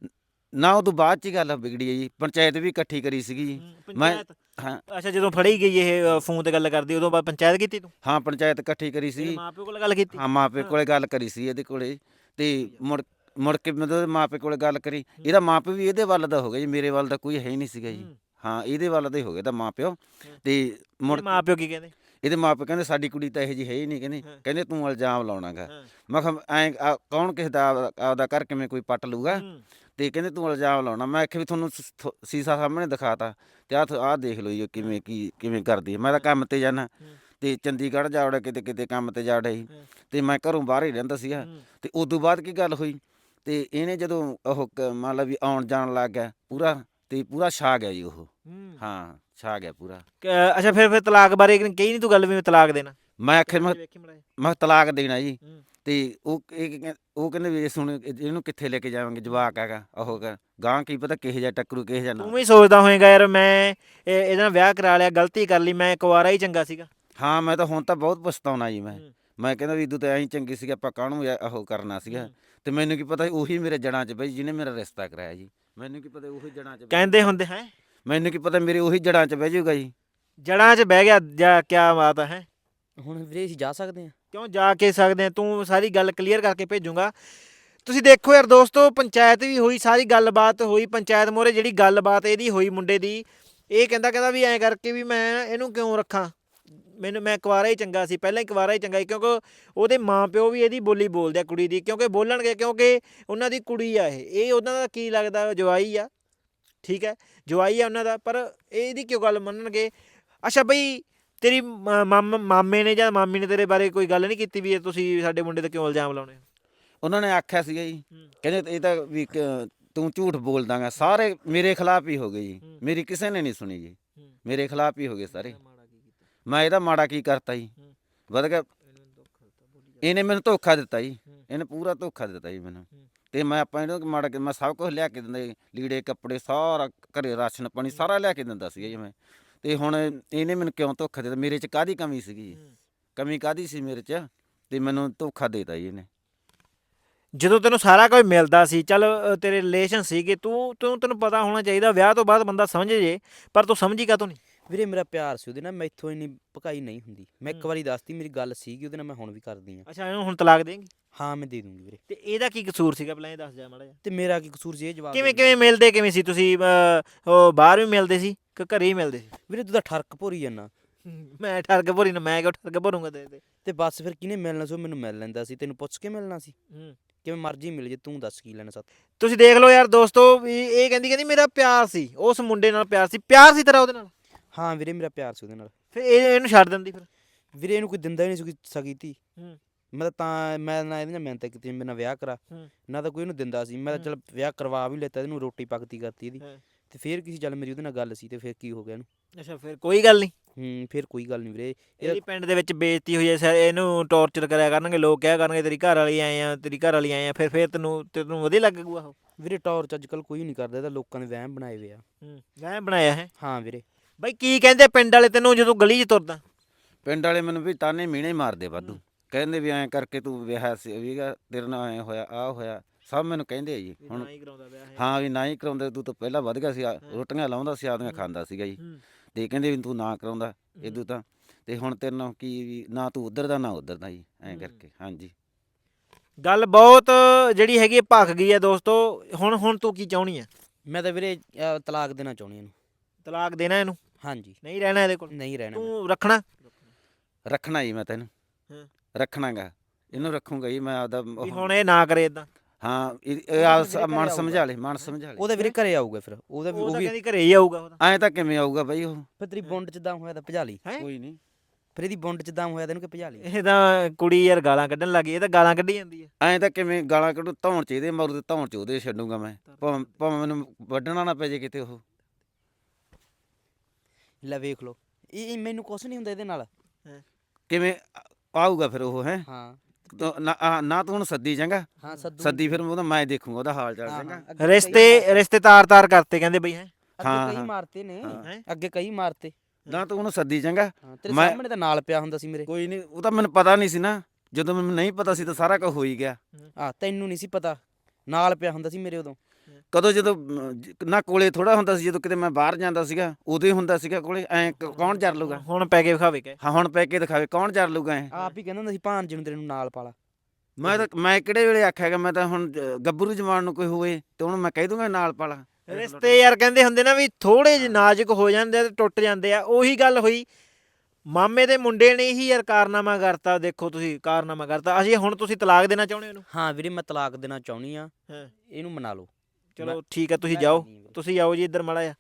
ਨਾ ਉਹ ਤੋਂ ਬਾਅਦ ਚ ਹੀ ਗੱਲ ਵਿਗੜੀ ਹੈ ਜੀ। ਪੰਚਾਇਤ ਵੀ ਇਕੱਠੀ ਕਰੀ ਸੀਗੀ ਜੀ। ਮੈਂ ਪੰਚਾਇਤ ਹਾਂ ਅੱਛਾ ਜਦੋਂ ਫੜੀ ਗਈ ਇਹ ਫੋਨ ਤੇ ਗੱਲ ਕਰਦੀ ਉਦੋਂ ਬਾਅਦ ਪੰਚਾਇਤ ਕੀਤੀ ਤੂੰ ਹਾਂ ਪੰਚਾਇਤ ਇਕੱਠੀ ਕਰੀ ਤੇਰੇ ਸੀ। ਮਾਪਿਓ ਕੋਲ ਗੱਲ ਕੀਤੀ ਹਾਂ ਮਾਪੇ ਕੋਲੇ ਗੱਲ ਕਰੀ ਸੀ ਇਹਦੇ ਕੋਲੇ, ਤੇ ਮੁੜ ਮੁੜ ਕੇ ਮਤਲਬ ਮਾਪੇ ਕੋਲੇ ਗੱਲ ਕਰੀ। ਇਹਦਾ ਮਾਪੇ ਵੀ ਇਹਦੇ ਵੱਲ ਦਾ ਹੋ ਗਿਆ ਜੀ, ਮੇਰੇ ਵੱਲ ਦਾ ਕੋਈ ਹੈ ਹੀ ਨਹੀਂ ਸੀਗਾ ਜੀ। ਹਾਂ ਇਹਦੇ ਵੱਲ ਦਾ ਹੀ ਹੋ ਗਿਆ ਤਾਂ ਮਾਪਿਓ। ਤੇ ਮੁੜ ਤੇਰੇ ਮਾਪਿਓ ਕੀ ਕਹਿੰਦੇ ਇਹਦੇ ਮਾਪੇ ਕਹਿੰਦੇ ਸਾਡੀ ਕੁੜੀ ਤਾਂ ਇਹੋ ਜਿਹੀ ਹੈ ਹੀ ਨਹੀਂ, ਕਹਿੰਦੇ ਕਹਿੰਦੇ ਤੂੰ ਇਲਜ਼ਾਮ ਲਾਉਣਾਗਾ। ਮੈਂ ਕਿਹਾ ਐਂ ਆ- ਕੌਣ ਕਿਸੇ ਦਾ ਆਪਦਾ- ਆਪਦਾ ਘਰ ਕਿਵੇਂ ਕੋਈ ਪੱਟ ਲੂਗਾ, ਤੇ ਕਹਿੰਦੇ ਤੂੰ ਇਲਜ਼ਾਮ ਲਾਉਣਾ। ਮੈਂ ਆਖਿਆ ਵੀ ਤੁਹਾਨੂੰ ਸ- ਥੋ- ਸੀਸਾ ਸਾਹਮਣੇ ਦਿਖਾਤਾ ਤੇ ਆਹ ਆਹ ਦੇਖ ਲਓ ਜੀ ਕਿਵੇਂ ਕੀ ਕਿਵੇਂ ਕਰਦੀ ਹੈ। ਮੈਂ ਤਾਂ ਕੰਮ ਤੇ ਜਾਣਾ ਤੇ ਚੰਡੀਗੜ੍ਹ ਜਾ ਵੜਿਆ, ਕਿਤੇ ਕਿਤੇ ਕੰਮ ਤੇ ਜਾ ਵੜਿਆ ਸੀ, ਤੇ ਮੈਂ ਘਰੋਂ ਬਾਹਰ ਹੀ ਰਹਿੰਦਾ ਸੀਗਾ। ਤੇ ਉਦੋਂ ਬਾਅਦ ਕੀ ਗੱਲ ਹੋਈ, ਤੇ ਇਹਨੇ ਜਦੋਂ ਉਹ ਕ- ਮੰਨ ਲਾ ਵੀ ਆਉਣ ਜਾਣ ਲੱਗ ਗਿਆ ਪੂਰਾ, ਤੇ ਪੂਰਾ ਛਾ ਗਿਆ ਜੀ ਉਹ। ਹਾਂ ਛਾ ਗਿਆ ਪੂਰਾ। ਕ- ਅੱਛਾ ਫਿਰ ਫਿਰ ਤਲਾਕ ਬਾਰੇ ਕਹੀ ਨਹੀਂ ਤੂੰ ਗੱਲ ਵੀ ਮੈਂ ਤਲਾਕ ਦੇਣਾ ਮੈਂ ਆਖਿਆ ਮੈਂ ਵੇਖੀ ਮੜਾ ਮੈਂ ਕਿਹਾ ਤਲਾਕ ਦੇਣਾ ਜੀ। ਤੇ ਉਹ ਇਹ ਕਹਿੰ- ਉਹ ਕਹਿੰਦੇ ਵੀ ਸੁਣ ਇਹਨੂੰ ਕਿੱਥੇ ਲੈ ਕੇ ਜਾਵਾਂਗੇ, ਜਵਾਕ ਹੈਗਾ ਉਹ ਗਾ- ਗਾਂ ਕੀ ਪਤਾ ਕਿਹੋ ਜਿਹਾ ਟੱਕਰੂ ਕਿਹੋ ਜਿਹਾ ਨਾ। ਤੂੰ ਵੀ ਸੋਚਦਾ ਹੋਏਗਾ ਯਾਰ ਮੈਂ ਇਹ- ਇਹਦੇ ਨਾਲ ਵਿਆਹ ਕਰਾ ਲਿਆ, ਗਲਤੀ ਕਰ ਲਈ, ਮੈਂ ਕੁਆਰਾ ਹੀ ਚੰਗਾ ਸੀਗਾ। ਹਾਂ ਮੈਂ ਤਾਂ ਹੁਣ ਤਾਂ ਬਹੁਤ ਪਛਤਾਉਣਾ ਜੀ। ਮੈਂ ਮੈਂ ਕਹਿੰਦਾ ਵੀ ਇਦੋਂ ਤਾਂ ਐਂ ਹੀ ਚੰਗੀ ਸੀਗਾ, ਆਪਾਂ ਕਾਹਨੂੰ ਇਹ- ਉਹ ਕਰਨਾ ਸੀਗਾ। ਤੇ ਮੈਨੂੰ ਕੀ ਪਤਾ ਉਹੀ ਮੇਰੇ ਜੜ੍ਹਾਂ 'ਚ ਬਈ ਜਿਹਨੇ ਮੇਰਾ ਰਿਸ਼ਤਾ ਕਰਾਇਆ ਜੀ। ਮੈਨੂੰ ਕੀ ਪਤਾ ਉਹੀ ਜੜ੍ਹਾਂ 'ਚ ਬਹਿ- ਕਹਿੰਦੇ ਹੁੰਦੇ ਹੈ ਮੈਨੂੰ ਕੀ ਪਤਾ ਮੇਰੇ ਉਹੀ ਜੜ੍ਹਾਂ 'ਚ ਬਹਿ ਜਾਊਗਾ ਜੀ। ਜੜਾਂ 'ਚ ਬਹਿ ਗਿਆ ਜਾਂ ਕਿਆ ਬਾਤ ਹੈ। ਹੁਣ ਵੀਰੇ ਅਸੀਂ ਜਾ ਸਕਦੇ ਆ? ਕਿਉਂ ਜਾ ਕੇ ਸਕਦੇ ਆ, ਤੂੰ ਸਾਰੀ ਗੱਲ ਕਲੀਅਰ ਕਰਕੇ ਭੇਜੂਗਾ। ਤੁਸੀਂ ਦੇਖੋ ਯਾਰ ਦੋਸਤੋ, ਪੰਚਾਇਤ ਵੀ ਹੋਈ, ਸਾਰੀ ਗੱਲਬਾਤ ਹੋਈ ਪੰਚਾਇਤ ਮੋਰੇ, ਜਿਹੜੀ ਗੱਲਬਾਤ ਇਹਦੀ ਹੋਈ ਮੁੰਡੇ ਦੀ, ਇਹ ਕਹਿੰਦਾ ਕਹਿੰਦਾ ਵੀ ਐਂ ਕਰਕੇ ਵੀ ਮੈਂ ਇਹਨੂੰ ਕਿਉਂ ਰੱਖਾਂ, ਮੈਨੂੰ ਮੈਂ ਕੁਆਰਾ ਹੀ ਚੰਗਾ ਸੀ, ਪਹਿਲਾਂ ਹੀ ਕੁਆਰਾ ਹੀ ਚੰਗਾ ਸੀ। ਕਿਉਂਕਿ ਉਹਦੇ ਮਾਂ ਪਿਓ ਵੀ ਇਹਦੀ ਬੋਲੀ ਬੋਲਦੇ ਆ ਕੁੜੀ ਦੀ, ਕਿਉਂਕਿ ਬੋਲਣਗੇ ਕਿਉਂਕਿ ਉਹਨਾਂ ਦੀ ਕੁੜੀ ਆ ਇਹ ਇਹ ਉਹਨਾਂ ਦਾ ਕੀ ਲੱਗਦਾ ਜਵਾਈ ਆ, ਠੀਕ ਹੈ ਜਵਾਈ ਆ ਉਹਨਾਂ ਦਾ, ਪਰ ਇਹਦੀ ਕਿਉਂ ਗੱਲ ਮੰਨਣਗੇ। ਅੱਛਾ ਬਈ ਤੇਰੀ ਮਾਮ ਮਾਮੇ ਨੇ ਜਾਂ ਮਾਮੀ ਨੇ ਤੇਰੇ ਬਾਰੇ ਕੋਈ ਗੱਲ ਨਹੀਂ ਕੀਤੀ ਵੀ ਇਹ ਤੁਸੀਂ ਸਾਡੇ ਮੁੰਡੇ ਤੇ ਕਿਉਂ ਇਲਜ਼ਾਮ ਲਾਉਣੇ? ਉਹਨਾਂ ਨੇ ਆਖਿਆ ਸੀਗਾ ਜੀ, ਕਹਿੰਦੇ ਇਹ ਤਾਂ ਵੀ ਕ- ਤੂੰ ਝੂਠ ਬੋਲਦਾਗਾ। ਸਾਰੇ ਮੇਰੇ ਖਿਲਾਫ ਹੀ ਹੋ ਗਏ ਜੀ, ਮੇਰੀ ਕਿਸੇ ਨੇ ਨਹੀਂ ਸੁਣੀ ਜੀ, ਮੇਰੇ ਖਿਲਾਫ ਹੀ ਹੋ ਗਏ ਸਾਰੇ। ਮੈਂ ਇਹਦਾ ਮਾੜਾ ਕੀ ਕਰਤਾ ਜੀ, ਵਧ ਗਿਆ ਇਹਨੇ ਮੈਨੂੰ ਧੋਖਾ ਦਿੱਤਾ ਜੀ, ਇਹਨੇ ਪੂਰਾ ਧੋਖਾ ਦਿੱਤਾ ਜੀ ਮੈਨੂੰ। ਤੇ ਮੈਂ ਆਪਾਂ ਇਹਨੂੰ ਮਾੜਾ ਕਿ ਮੈਂ ਸਭ ਕੁਝ ਲਿਆ ਕੇ ਦਿੰਦਾ ਜੀ, ਲੀੜੇ ਕੱਪੜੇ ਸਾਰਾ ਘਰੇ ਰਾਸ਼ਨ ਪਾਣੀ ਸਾਰਾ ਲਿਆ ਕੇ ਦਿੰਦਾ ਸੀਗਾ ਜੀ ਮੈਂ। ਤੇ ਹੁਣ ਇਹਨੇ ਮੈਨੂੰ ਕਿਉਂ ਧੋਖਾ ਦਿੱਤਾ, ਮੇਰੇ 'ਚ ਕਾਹਦੀ ਕਮੀ ਸੀਗੀ ਜੀ, ਕਮੀ ਕਾਹਦੀ ਸੀ ਮੇਰੇ 'ਚ, ਤੇ ਮੈਨੂੰ ਧੋਖਾ ਦੇਤਾ ਜੀ ਇਹਨੇ। ਜਦੋਂ ਤੈਨੂੰ ਸਾਰਾ ਕੁਝ ਮਿਲਦਾ ਸੀ, ਚੱਲ ਅ, ਤੇਰੇ ਰਿਲੇਸ਼ਨ ਸੀਗੇ, ਤੂੰ ਤੂੰ ਤੈਨੂੰ ਪਤਾ ਹੋਣਾ ਚਾਹੀਦਾ ਵਿਆਹ ਤੋਂ ਬਾਅਦ ਬੰਦਾ ਸਮਝ ਜੇ, ਪਰ ਤੂੰ ਸਮਝੀ ਕਾਹਤੋਂ ਨਹੀਂ? ਵੀਰੇ ਮੇਰਾ ਪਿਆਰ ਸੀ ਉਹਦੇ ਨਾਲ, ਮੈਥੋਂ ਇੰਨੀ ਭਕਾਈ ਨਹੀਂ ਹੁੰਦੀ। ਮੈਂ ਇੱਕ ਹੂੰ। ਵਾਰੀ ਦੱਸਤੀ ਮੇਰੀ ਗੱਲ ਸੀਗੀ ਉਹਦੇ ਨਾਲ, ਮੈਂ ਹੁਣ ਵੀ ਕਰਦੀ ਆ। ਅੱਛਾ ਇਹਨੂੰ ਹੁਣ ਤਲਾਕ ਦੇਂਗੀ? ਹਾਂ ਮੈਂ ਦੇ ਦੂੰਗੀ ਵੀਰੇ। ਤੇ ਇਹਦਾ ਕੀ ਕਸੂਰ ਸੀਗਾ ਪਹਿਲਾਂ ਇਹ ਦੱਸ ਜਾ ਮਾੜਾ ਜਿਹਾ। ਤੇ ਮੇਰਾ ਕੀ ਕਸੂਰ ਸੀ ਇਹ ਜਵਾਬ ਕਿਵੇਂ ਦੇਣ ਦਾ? ਕਿਵੇਂ ਮਿਲਦੇ ਕਿਵੇਂ ਸੀ ਤੁਸੀਂ, ਅ, ਉਹ ਬਾਹਰ ਵੀ ਮਿਲਦੇ ਸੀ ਕਿ ਘਰੇ ਹੀ ਮਿਲਦੇ ਸੀ? ਵੀਰੇ ਤੂੰ ਤਾਂ ਠਰਕ ਭੋਰੀ ਜਾਂਦਾ। ਮੈਂ ਠਰਕ ਭਰੀ ਨਾ, ਮੈਂ ਕਿਉਂ ਠਰਕ ਭਰੂੰਗਾ ਤੇਰੇ ਤੇ? ਤੇ ਬਸ ਫਿਰ ਕਿਹਨੇ ਮਿਲਣਾ ਸੀ, ਉਹ ਮੈਨੂੰ ਮਿਲ ਲੈਂਦਾ ਸੀ। ਤੈਨੂੰ ਪੁੱਛ ਕੇ ਮਿਲਣਾ ਸੀ, ਹੂੰ। ਕਿਵੇਂ ਮਰਜ਼ੀ ਮਿਲ ਜੇ, ਤੂੰ ਦੱਸ ਕੀ ਲੈਣਾ ਸਾਥ। ਤੁਸੀਂ ਦੇਖ ਲਓ ਯਾਰ ਦੋਸਤੋ, ਵੀ ਇਹ ਕਹਿੰਦੀ ਕਹਿੰਦੀ ਮੇਰਾ ਪਿਆਰ ਸੀ, ਉਸ ਮੁੰਡੇ ਨਾਲ ਪਿਆਰ ਸੀ, ਪਿਆਰ ਸੀ ਤੇਰਾ ਉਹਦੇ ਨਾਲ, ਹਾਂ ਵੀਰੇ ਮੇਰਾ ਪਿਆਰ ਸੀ ਉਹਦੇ ਨਾਲ। ਫਿਰ ਇਹ ਇਹਨੂੰ ਛੱਡ ਦਿੰਦੀ ਫਿਰ? ਵੀਰੇ ਇਹਨੂੰ ਕੋਈ ਦਿੰਦਾ ਹੀ ਨਹੀਂ ਸੀ, ਕੋਈ ਸਗੀ ਧੀ। ਹੂੰ। ਮੈਂ ਤਾਂ ਤਾਂ ਮੈਂ ਨਾ ਇਹਦੇ ਨਾਲ ਮਿਹਨਤ ਕੀਤੀ, ਮੇਰੇ ਨਾਲ ਵਿਆਹ ਕਰਾ, ਹੂੰ। ਨਾ ਤਾਂ ਕੋਈ ਇਹਨੂੰ ਦਿੰਦਾ ਸੀ। ਮੈਂ ਤਾਂ ਚੱਲ ਵਿਆਹ ਕਰਵਾ ਵੀ ਲੈਤਾ, ਇਹਨੂੰ ਰੋਟੀ ਪੱਕਤੀ ਕਰਤੀ ਇਹਦੀ। ਹਾਂ। ਤੇ ਫਿਰ ਕਿਸੇ ਚੱਲ ਮੇਰੀ ਉਹਦੇ ਨਾਲ ਗੱਲ ਸੀ, ਤੇ ਫਿਰ ਕੀ ਹੋ ਗਿਆ ਇਹਨੂੰ? ਅੱਛਾ ਫਿਰ ਕੋਈ ਗੱਲ ਨਹੀਂ, ਹੂੰ ਫਿਰ ਕੋਈ ਗੱਲ ਨਹੀਂ ਵੀਰੇ। ਇਹਦੀ ਇਹਦਾ ਪਿੰਡ ਦੇ ਵਿੱਚ ਬੇਇੱਜ਼ਤੀ ਹੋਈ ਐ, ਸਰ ਇਹਨੂੰ ਟੌਰਚਰ ਕਰਿਆ ਕਰਨਗੇ ਲੋਕ, ਕਿਹਾ ਕਰਨਗੇ ਤੇਰੀ ਘਰ ਵਾਲੀ ਆਏ ਆ, ਤੇਰੀ ਘਰ ਵਾਲੀ ਆਏ ਆ, ਫਿਰ ਫਿਰ ਤੈਨੂੰ ਤੈਨੂੰ ਵਧੀਆ ਲੱਗੂਗਾ ਉਹ? ਵੀਰੇ ਟੌਰਚ ਅੱਜ ਕੱਲ ਕੋਈ ਨਹੀਂ ਕਰਦਾ, ਇਹਦਾ ਲੋਕਾਂ ਨੇ ਵਹਿਮ ਬਣਾਏ ਹੋਏ ਆ। ਹੂੰ ਮੈਂ ਬਣਾਇਆ ਹੈ। ਹਾਂ ਵੀਰੇ। ਬਾਈ ਕੀ ਕਹਿੰਦੇ ਪਿੰਡ ਵਾਲੇ ਤੈਨੂੰ ਜਦੋਂ ਗਲੀ 'ਚ ਤੁਰਦਾ? ਪਿੰਡ ਵਾਲੇ ਮੈਨੂੰ ਵੀ ਤਾਨੇ ਮੀਣੇ ਮਾਰਦੇ ਵਾਧੂ, ਕਹਿੰਦੇ ਵੀ ਐਂ ਕਰਕੇ ਤੂੰ ਵਿਆਹ ਸੀ ਵੀਗਾ, ਤੇਰੇ ਨਾਲ ਐਂ ਹੋਇਆ ਆਹ ਹੋਇਆ, ਸਭ ਮੈਨੂੰ ਕਹਿੰਦੇ ਆ ਜੀ। ਹੁਣ ਨਾ ਹੀ ਕਰਾਉਂਦਾ ਵਿਆਹ ਹੈ। ਹਾਂ ਵੀ ਨਾ ਹੀ ਕਰਾਉਂਦੇ, ਤੂੰ ਤਾਂ ਪਹਿਲਾਂ ਵਧ ਗਿਆ ਸੀ, ਆ- ਰੋਟੀਆਂ ਲਾਉਂਦਾ ਸੀ, ਆਪਦੀਆਂ ਖਾਂਦਾ ਸੀਗਾ ਜੀ। ਹੂੰ। ਤੇ ਕਹਿੰਦੇ ਵੀ ਤੂੰ ਨਾ ਕਰਾਉਂਦਾ ਇਦੋਂ ਤਾਂ, ਤੇ ਹੁਣ ਤੇਰੇ ਨਾਲ ਕੀ ਵੀ ਨਾ ਤੂੰ ਉੱਧਰ ਦਾ ਨਾ ਉੱਧਰ ਦਾ ਜੀ, ਐਂ ਕਰਕੇ। ਹਾਂਜੀ ਗੱਲ ਬਹੁਤ ਜਿਹੜੀ ਹੈਗੀ ਭੱਖ ਗਈ ਹੈ ਦੋਸਤੋ। ਹੁਣ ਹੁਣ ਤੂੰ ਕੀ ਚਾਹੁੰਦੀ ਹੈ? ਮੈਂ ਤਾਂ ਵੀਰੇ ਅਹ, ਤਲਾਕ ਦੇਣਾ ਚਾਹੁੰਦੀ ਇਹਨੂੰ। ਤਲਾਕ ਦੇਣਾ ਇਹਨੂੰ? ਹਾਂਜੀ ਨਹੀਂ ਰਹਿਣਾ ਇਹਦੇ ਕੋਲ? ਨਹੀਂ ਰਹਿਣਾ ਮੈਂ। ਤੂੰ ਰੱਖਣਾ? ਰੱਖਣਾ ਜੀ ਮੈਂ ਤੈਨੂੰ, ਹਾਂ। ਰੱਖਣਾਗਾ ਇਹਨੂੰ, ਰੱਖੂਗਾ ਜੀ ਮੈਂ ਆਪਦਾ। ਵੀ ਹੁਣ ਇਹ ਨਾ ਕਰੇ ਇਦਾਂ? ਹਾਂ ਇਹ ਇਹ ਆਪ ਮਨ ਸਮਝਾ ਲੈ, ਮਨ ਸਮਝਾ ਲੈ। ਉਹਦੇ ਵੀਰੇ ਘਰੇ ਆਊਗਾ, ਫਿਰ ਉਹਦਾ ਵੀ ਉਹ ਉਹ ਤਾਂ ਵੀ ਕਹਿੰਦੀ ਘਰੇ ਹੀ ਆਊਗਾ ਉਹ ਤਾਂ। ਐਂ ਤਾਂ ਕਿਵੇਂ ਆਊਗਾ ਬਈ ਉਹ? ਫਿਰ ਤੇਰੀ ਬੁੰਡ ਚ ਦਮ ਹੋਇਆ ਤਾਂ ਭਜਾ ਲਈ। ਹੈਂ? ਕੋਈ ਨਹੀਂ, ਫਿਰ ਇਹਦੀ ਬੁੰਡ ਚ ਦਮ ਹੋਇਆ ਤੈਨੂੰ ਕਿ ਭਜਾ ਲਈ। ਇਹ ਤਾਂ ਕੁੜੀ ਯਾਰ ਗਾਲਾਂ ਕੱਢਣ ਲੱਗੀ, ਇਹ ਤਾਂ ਗਾਲਾਂ ਕੱਢੀ ਜਾਂਦੀ ਹੈ। ਐਂ ਤਾਂ ਕਿਵੇਂ ਗਾਲਾਂ ਕੱਢੂ, ਧੌਣ ਚ ਇਹਦੇ ਮਾਰੂ ਤੇ ਧੌਣ ਚ ਉਹਦੇ ਛੱਡੂਗਾ ਮੈਂ, ਭਾਵੇਂ ਭਾਵੇਂ ਮੈਨੂੰ ਵੱਢਣਾ ਨਾ ਪੈ ਜੇ ਕਿਤੇ ਉਹ। ਲੈ ਵੇਖ ਲੋ, ਇਹ ਇਹ ਮੈਨੂੰ ਕੁਛ ਨਹੀਂ ਹੁੰਦਾ ਇਹਦੇ ਨਾਲ। ਕਿਵੇਂ ਆਊਗਾ ਫਿਰ ਉਹ? ਹੈ ਹਾਂ ਨਾ ਆ- ਨਾ ਤੂੰ ਹੁਣ ਸੱਦੀ ਚੰਗਾ, ਹਾਂ ਸੱਦੂ ਸੱਦੀ ਫਿਰ ਉਹਦਾ ਮੈਂ ਦੇਖੂਗਾ ਉਹਦਾ ਹਾਲ ਚਾਲ ਚੰਗਾ। ਰਿਸ਼ਤੇ ਰਿਸ਼ਤੇ ਤਾਰ ਤਾਰ ਕਰਤੇ ਕਹਿੰਦੇ ਬਈ ਹੈ। ਅੱਗੇ ਹਾਂ, ਕਈ ਹਾਂ। ਮਾਰਤੇ ਨੇ, ਹਾਂ। ਹੈਂ? ਅੱਗੇ ਕਈ ਮਾਰਤੇ। ਨਾ ਤੂੰ ਉਹਨੂੰ ਸੱਦੀ ਚੰਗਾ। ਹਾਂ ਤੇਰੇ ਮੈਂ- ਸਾਹਮਣੇ ਤਾਂ ਨਾਲ ਪਿਆ ਹੁੰਦਾ ਸੀ ਮੇਰੇ। ਕੋਈ ਨਹੀਂ, ਉਹ ਤਾਂ ਮੈਨੂੰ ਪਤਾ ਨਹੀਂ ਸੀ ਨਾ, ਜਦੋਂ ਮੈਨੂੰ ਨਹੀਂ ਪਤਾ ਸੀ ਤਾਂ ਸਾਰਾ ਕੁਝ ਹੋ ਹੀ ਗਿਆ। ਆ ਤੈਨੂੰ ਨਹੀਂ ਸੀ ਪਤਾ, ਨਾਲ ਪਿਆ ਹੁੰਦਾ ਸੀ ਮੇਰੇ ਉਦੋਂ। ਕਦੋਂ ਜਦੋਂ ਅਮ, ਜ- ਨਾ ਕੋਲੇ ਥੋੜਾ ਹੁੰਦਾ ਸੀ, ਜਦੋਂ ਕਿਤੇ ਮੈਂ ਬਾਹਰ ਜਾਂਦਾ ਸੀਗਾ ਉਦੋਂ ਹੀ ਹੁੰਦਾ ਸੀਗਾ ਕੋਲੇ। ਐ ਕੌਣ ਜਰ ਲੂਗਾ? ਹੁਣ ਪੈ ਕੇ ਵਿਖਾਵੇ ਕੇ ਹਾਂ ਹੁਣ ਪੈ ਕੇ ਦਿਖਾਵੇ, ਕੌਣ ਜਰ ਲੂਗਾ ਐ? ਆਪ ਹੀ ਕਹਿੰਦਾ ਹੁੰਦਾ ਸੀ ਭਾਂਜ ਨੂੰ ਤੇਰੇ ਨੂੰ ਨਾਲ ਪਾਲਾ। ਮੈਂ ਤਾਂ ਮੈਂ ਕਿਹੜੇ ਵੇਲੇ ਆਖਿਆਗਾ? ਮੈਂ ਤਾਂ ਹੁਣ ਜ- ਗੱਭਰੂ ਜਵਾਨ ਨੂੰ ਕੋਈ ਹੋਵੇ ਤੇ ਉਹਨੂੰ ਮੈਂ ਕਹਿ ਦੂੰਗਾ ਨਾਲ ਪਾਲਾ। ਰਿਸ਼ਤੇ ਯਾਰ ਕਹਿੰਦੇ ਹੁੰਦੇ ਨਾ ਵੀ ਥੋੜੇ ਜਿਹੇ ਨਾਜ਼ੁਕ ਹੋ ਜਾਂਦੇ ਆ ਤੇ ਟੁੱਟ ਜਾਂਦੇ ਆ। ਉਹੀ ਗੱਲ ਹੋਈ, ਮਾਮੇ ਦੇ ਮੁੰਡੇ ਨੇ ਹੀ ਯਾਰ ਕਾਰਨਾਮਾ ਕਰਤਾ। ਦੇਖੋ ਤੁਸੀਂ ਕਾਰਨਾਮਾ ਕਰਤਾ। ਅਸੀਂ ਹੁਣ ਤੁਸੀਂ ਤਲਾਕ ਦੇਣਾ ਚਾਹੁੰਦੇ ਹੋ ਇਹਨੂੰ? ਹਾਂ ਵੀਰੇ ਮੈਂ ਤਲਾਕ ਦੇਣਾ ਚਾਹੁੰਦੀ ਆ, ਹਾਂ ਇਹਨੂੰ ਮਨਾ ਲਓ। ਚਲੋ ਠੀਕ ਆ, ਤੁਸੀਂ ਮੈਂ ਜਾਓ, ਨਹੀਂ ਵੀਰੇ। ਤੁਸੀਂ ਆਓ ਜੀ ਇੱਧਰ ਮਾੜਾ ਜਿਹਾ।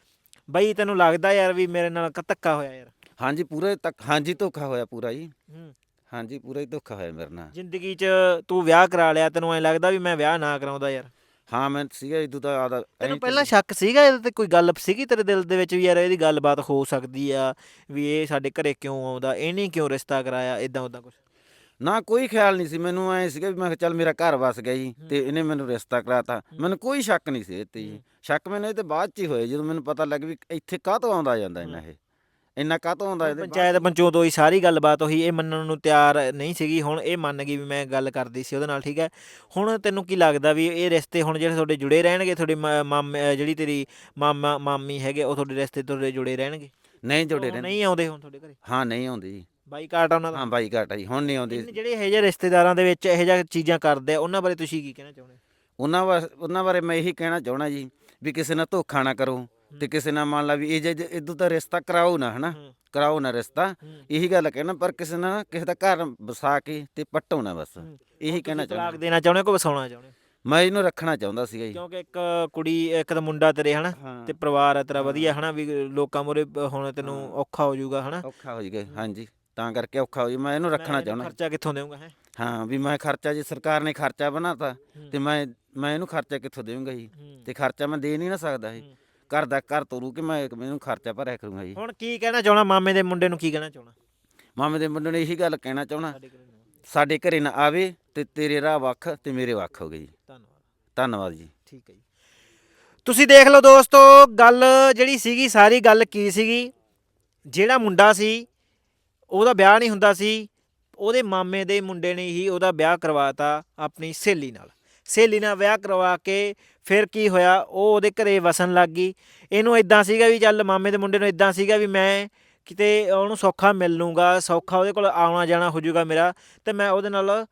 ਬਈ ਤੈਨੂੰ ਲੱਗਦਾ ਯਾਰ ਵੀ ਮੇਰੇ ਨਾਲ ਕ- ਧੱਕਾ ਹੋਇਆ ਯਾਰ? ਹਾਂਜੀ ਪੂਰਾ ਤੱਕ, ਹਾਂਜੀ ਧੋਖਾ ਹੋਇਆ ਪੂਰਾ ਜੀ। ਹੂੰ। ਹਾਂਜੀ ਪੂਰਾ ਹੀ ਧੋਖਾ ਹੋਇਆ ਮੇਰੇ ਨਾਲ। ਜ਼ਿੰਦਗੀ 'ਚ ਤੂੰ ਵਿਆਹ ਕਰਾ ਲਿਆ, ਤੈਨੂੰ ਐ ਲੱਗਦਾ ਵੀ ਮੈਂ ਵਿਆਹ ਨਾ ਕਰਾਉਂਦਾ ਯਾਰ? ਹਾਂ ਮੈਂ ਸੀਗਾ ਇਦੋਂ ਤਾਂ ਆਦਾ ਤੈਨੂੰ ਪਹਿਲਾਂ ਸ਼ੱਕ ਸੀਗਾ ਇਹਦੇ ਤੇ? ਕੋਈ ਗੱਲ ਸੀਗੀ ਤੇਰੇ ਦਿਲ ਦੇ ਵਿੱਚ ਵੀ ਯਾਰ ਇਹਦੀ ਗੱਲਬਾਤ ਹੋ ਸਕਦੀ ਆ, ਵੀ ਇਹ ਸਾਡੇ ਘਰੇ ਕਿਉਂ ਆਉਂਦਾ, ਇਹਨੇ ਕਿਉਂ ਰਿਸ਼ਤਾ ਕਰਾਇਆ, ਇਦਾਂ ਉਦਾਂ ਕੁਝ? ਨਾ ਕੋਈ ਖਿਆਲ ਨਹੀਂ ਸੀ ਮੈਨੂੰ। ਐ ਸੀਗਾ ਵੀ ਮੈਂ ਕਿਹਾ ਚੱਲ ਮੇਰਾ ਘਰ ਵਸ ਗਿਆ ਜੀ ਤੇ ਇਹਨੇ ਮੈਨੂੰ ਰਿਸ਼ਤਾ ਕਰਾਤਾ। ਮੈਨੂੰ ਕੋਈ ਸ਼ੱਕ ਨਹੀਂ ਸੀ ਇਹ ਤੇ ਜੀ। ਸ਼ੱਕ ਮੈਨੂੰ ਇਹ ਤੇ ਬਾਅਦ ਚ ਹੀ ਹੋਇਆ, ਜਦੋਂ ਮੈਨੂੰ ਪਤਾ ਲੱਗ ਵੀ ਇੱਥੇ ਕਾਹਤੋਂ ਆਉਂਦਾ ਜਾਂਦਾ ਇੰਨਾ, ਇਹ ਇੰਨਾ ਕਾਹਤੋਂ ਆਉਂਦਾ ਇਹਦੇ ਬਾਅਦ। ਪੰਚਾਇਤ ਪੰਚੋਂ ਤੋਂ ਹੀ ਸਾਰੀ ਗੱਲਬਾਤ ਹੋਈ, ਇਹ ਮੰਨਣ ਨੂੰ ਤਿਆਰ ਨਹੀਂ ਸੀਗੀ। ਹੁਣ ਇਹ ਮੰਨ ਗਈ ਵੀ ਮੈਂ ਗੱਲ ਕਰਦੀ ਸੀ ਉਹਦੇ ਨਾਲ, ਠੀਕ ਹੈ। ਹੁਣ ਤੈਨੂੰ ਕੀ ਲੱਗਦਾ ਵੀ ਇਹ ਰਿਸ਼ਤੇ ਹੁਣ ਜਿਹੜੇ ਤੁਹਾਡੇ ਜੁੜੇ ਰਹਿਣਗੇ? ਤੁਹਾਡੇ ਮਾ- ਮਾਮੇ ਜਿਹੜੀ ਤੇਰੀ ਮਾਮਾ ਮਾਮੀ ਹੈਗੇ ਉਹ ਤੁਹਾਡੇ ਰਿਸ਼ਤੇ ਤੁਹਾਡੇ ਜੁੜੇ ਰਹਿਣਗੇ? ਨਹੀਂ ਜੁੜੇ ਉਹ ਰਹਿੰਦੇ। ਨਹੀਂ ਆਉਂਦੇ ਹੁਣ ਤੁਹਾਡੇ ਘਰੇ? ਹਾਂ ਨਹੀਂ ਆਉਂਦੀ ਜੀ। ਬਾਈਕਾਟ ਆ ਉਹਨਾਂ ਦਾ? ਹਾਂ ਬਾਈ ਘਾਟਾ ਜੀ, ਹੁਣ ਨਹੀਂ ਆਉਂਦੀ। ਇਨ ਜਿਹੜੇ ਇਹੋ ਜਿਹੇ ਰਿਸ਼ਤੇਦਾਰਾਂ ਦੇ ਵਿੱਚ ਇਹੋ ਜਿਹੀਆਂ ਚੀਜ਼ਾਂ ਕਰਦੇ ਆ, ਉਹਨਾਂ ਬਾਰੇ ਤੁਸੀਂ ਕੀ ਕਹਿਣਾ ਚਾਹੁੰਦੇ? ਉਹਨਾਂ ਵਾ ਉਹਨਾਂ ਬਾਰੇ ਮੈਂ ਇਹੀ ਕਹਿਣਾ ਚਾਹਣਾ ਜੀ ਵੀ ਕਿਸੇ ਨਾਲ ਧੋਖਾ ਨਾ ਕਰੋ ਤੇ ਕਿਸੇ ਨਾਲ ਮੰਨ ਲਾ ਵੀ ਇਹ ਜੇ ਇਦੋਂ ਤਾਂ ਰਿਸ਼ਤਾ ਕਰਾਓ ਨਾ, ਹਨਾ ਹੂੰ। ਕਰਾਓ ਨਾ ਰਿਸ਼ਤਾ। ਹੂੰ। ਇਹੀ ਗੱਲ ਕਹਿਣਾ, ਪਰ ਕਿਸੇ ਨਾਲ ਕਿਸੇ ਦਾ ਘਰ ਵਸਾ ਕੇ ਤੇ ਪੱਟੋ ਨਾ ਬਸ। ਹੂੰ। ਇਹੀ ਕਹਿਣਾ ਤਲਾਕ ਚਾਹੁੰਦਾ ਦੇਣਾ ਚਾਹੁੰਦੇ ਕੋ ਵਸਾਉਣਾ ਚਾਹੁੰਦੇ? ਮੈਂ, ਇਹਨੂੰ ਰੱਖਣਾ ਚਾਹੁੰਦਾ ਸੀਗਾ ਜੀ। ਕਿਉਂਕਿ ਇੱਕ ਕੁੜੀ, ਇੱਕ ਤਾਂ ਮੁੰਡਾ ਤੇਰੇ ਹਨਾ, ਹਾਂ ਤੇ ਪਰਿਵਾਰ ਹੈ ਤੇਰਾ ਹਾਂ। ਵਧੀਆ ਹਨਾ, ਵੀ ਲੋਕਾਂ ਮੂਹਰੇ ਹੁਣ ਤੈਨੂੰ ਹਾਂ। ਔਖਾ ਹੋ ਜਾਊਗਾ ਹਨਾ। ਔਖਾ ਹੋ ਜਾਏਗਾ, ਹਾਂਜੀ ਤਾਂ ਕਰਕੇ ਔਖਾ ਹੋ ਜਾਊ। ਮੈਂ ਇਹਨੂੰ ਰੱਖਣਾ ਮੈਂ ਚਾਹੁੰਦਾ। ਖਰਚਾ ਕਿੱਥੋਂ ਦੇਵਾਂਗਾ ਹੈ? ਹਾਂ ਵੀ ਮੈਂ ਖਰਚਾ, ਜੇ ਸਰਕਾਰ ਨੇ ਖਰਚਾ ਬਣਾਤਾ ਤੇ ਮੈਂ ਮੈਂ ਇਹਨੂੰ ਖਰਚਾ ਕਿੱਥੋਂ ਦੇਵਾਂਗਾ ਜੀ? ਤੇ ਖਰਚਾ ਮੈਂ ਦੇ ਨਹੀਂ ਨਾ ਸਕਦਾ ਜੀ। ਘਰ ਦਾ ਘਰ ਤੋਰੂ ਕਿ ਮੈਂ ਇਹਨੂੰ ਖਰਚਾ ਭਰਿਆ ਕਰੂੰਗਾ ਜੀ। ਹੁਣ ਕੀ ਕਹਿਣਾ ਚਾਹਣਾ ਮਾਮੇ ਦੇ ਮੁੰਡੇ ਨੂੰ, ਕੀ ਕਹਿਣਾ ਚਾਹਣਾ? ਮਾਮੇ ਦੇ ਮੁੰਡੇ ਨੂੰ ਇਹੀ ਗੱਲ ਕਹਿਣਾ ਚਾਹਣਾ, ਸਾਡੇ ਘਰੇ ਨਾ ਆਓ। ਸਾਡੇ ਘਰੇ ਨਾ ਆਵੇ ਤੇ ਤੇਰੇ ਰਾਹ ਵੱਖ ਤੇ ਮੇਰੇ ਵੱਖ ਹੋ ਗਏ ਜੀ। ਧੰਨਵਾਦ। ਧੰਨਵਾਦ ਜੀ। ਠੀਕ ਹੈ ਜੀ। ਤੁਸੀਂ ਦੇਖ ਲਓ ਦੋਸਤੋ, ਗੱਲ ਜਿਹੜੀ ਸੀਗੀ ਸਾਰੀ ਗੱਲ ਕੀ ਸੀਗੀ। ਜਿਹੜਾ ਮੁੰਡਾ ਸੀ ਉਹਦਾ ਵਿਆਹ ਨਹੀਂ ਹੁੰਦਾ ਸੀ, ਉਹਦੇ ਮਾਮੇ ਦੇ ਮੁੰਡੇ ਨੇ ਹੀ ਉਹਦਾ ਵਿਆਹ ਕਰਵਾਤਾ ਆਪਣੀ ਸਹੇਲੀ ਨਾਲ। ਸਹੇਲੀ ਨਾਲ ਵਿਆਹ ਕਰਵਾ ਕੇ ਫਿਰ ਕੀ ਹੋਇਆ, ਉਹ ਉਹਦੇ ਘਰੇ ਵਸਣ ਲੱਗ ਗਈ। ਇਹਨੂੰ ਇਦਾਂ ਸੀਗਾ ਵੀ ਚੱਲ, ਮਾਮੇ ਦੇ ਮੁੰਡੇ ਨੂੰ ਇਦਾਂ ਸੀਗਾ ਵੀ ਮੈਂ ਕਿਤੇ ਉਹਨੂੰ ਸੌਖਾ ਮਿਲ ਲੂੰਗਾ, ਸੌਖਾ ਉਹਦੇ ਕੋਲ ਆਉਣਾ ਜਾਣਾ ਹੋ ਜਾਊਗਾ ਮੇਰਾ, ਤੇ ਮੈਂ ਉਹਦੇ ਨਾਲ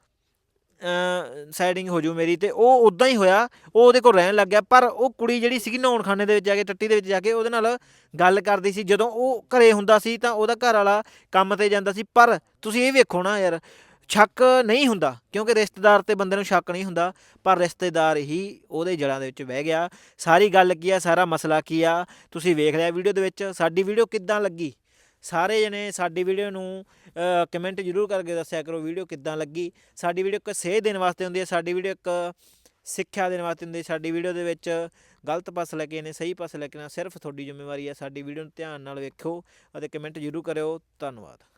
ਸਾਈਡਿੰਗ ਹੋ ਜੂ ਮੇਰੀ। ਤੇ ਉਹ ਉਦਾਂ ਹੀ ਹੋਇਆ, ਉਹ ਉਹਦੇ ਕੋਲ ਰਹਿਣ ਲੱਗ ਗਿਆ। ਪਰ ਉਹ ਕੁੜੀ ਜਿਹੜੀ ਸੀਗੀ ਨਹਾਉਣ ਖਾਨੇ ਦੇ ਵਿੱਚ ਜਾ ਕੇ, ਟੱਟੀ ਦੇ ਵਿੱਚ ਜਾ ਕੇ ਉਹਦੇ ਨਾਲ ਗੱਲ ਕਰਦੀ ਸੀ। ਜਦੋਂ ਉਹ ਘਰੇ ਹੁੰਦਾ ਸੀ ਤਾਂ ਉਹਦਾ ਘਰ ਵਾਲਾ ਕੰਮ ਤੇ ਜਾਂਦਾ ਸੀ। ਪਰ ਤੁਸੀਂ ਇਹ ਵੇਖੋ ਨਾ ਯਾਰ, ਸ਼ੱਕ ਨਹੀਂ ਹੁੰਦਾ, ਕਿਉਂਕਿ ਰਿਸ਼ਤੇਦਾਰ ਤੇ ਬੰਦੇ ਨੂੰ ਸ਼ੱਕ ਨਹੀਂ ਹੁੰਦਾ, ਪਰ ਰਿਸ਼ਤੇਦਾਰ ਹੀ ਉਹਦੇ ਜੜ੍ਹਾਂ ਦੇ ਵਿੱਚ ਬਹਿ ਗਿਆ। ਸਾਰੀ ਗੱਲ ਕੀ ਆ, ਸਾਰਾ ਮਸਲਾ ਕੀ ਆ, ਤੁਸੀਂ ਵੇਖ ਲਿਆ ਵੀਡੀਓ ਦੇ ਵਿੱਚ। ਸਾਡੀ ਵੀਡੀਓ ਕਿੱਦਾਂ ਲੱਗੀ, ਸਾਰੇ ਜਣੇ ਸਾਡੀ ਵੀਡੀਓ ਨੂੰ ਕਮੈਂਟ ਜ਼ਰੂਰ ਕਰਕੇ ਦੱਸਿਆ ਕਰੋ ਵੀਡੀਓ ਕਿੱਦਾਂ ਲੱਗੀ। ਸਾਡੀ ਵੀਡੀਓ ਇੱਕ ਸੇਧ ਦੇਣ ਵਾਸਤੇ ਹੁੰਦੀ ਹੈ, ਸਾਡੀ ਵੀਡੀਓ ਇੱਕ ਸਿੱਖਿਆ ਦੇਣ ਵਾਸਤੇ ਹੁੰਦੀ ਹੈ। ਸਾਡੀ ਵੀਡੀਓ ਦੇ ਵਿੱਚ ਗਲਤ ਪਾਸੇ ਲੈ ਕੇ ਨੇ, ਸਹੀ ਪਾਸੇ ਲੈ ਕੇ ਨਾ, ਸਿਰਫ ਤੁਹਾਡੀ ਜ਼ਿੰਮੇਵਾਰੀ ਹੈ। ਸਾਡੀ ਵੀਡੀਓ ਨੂੰ ਧਿਆਨ ਨਾਲ ਵੇਖੋ ਅਤੇ ਕਮੈਂਟ ਜ਼ਰੂਰ ਕਰਿਓ। ਧੰਨਵਾਦ।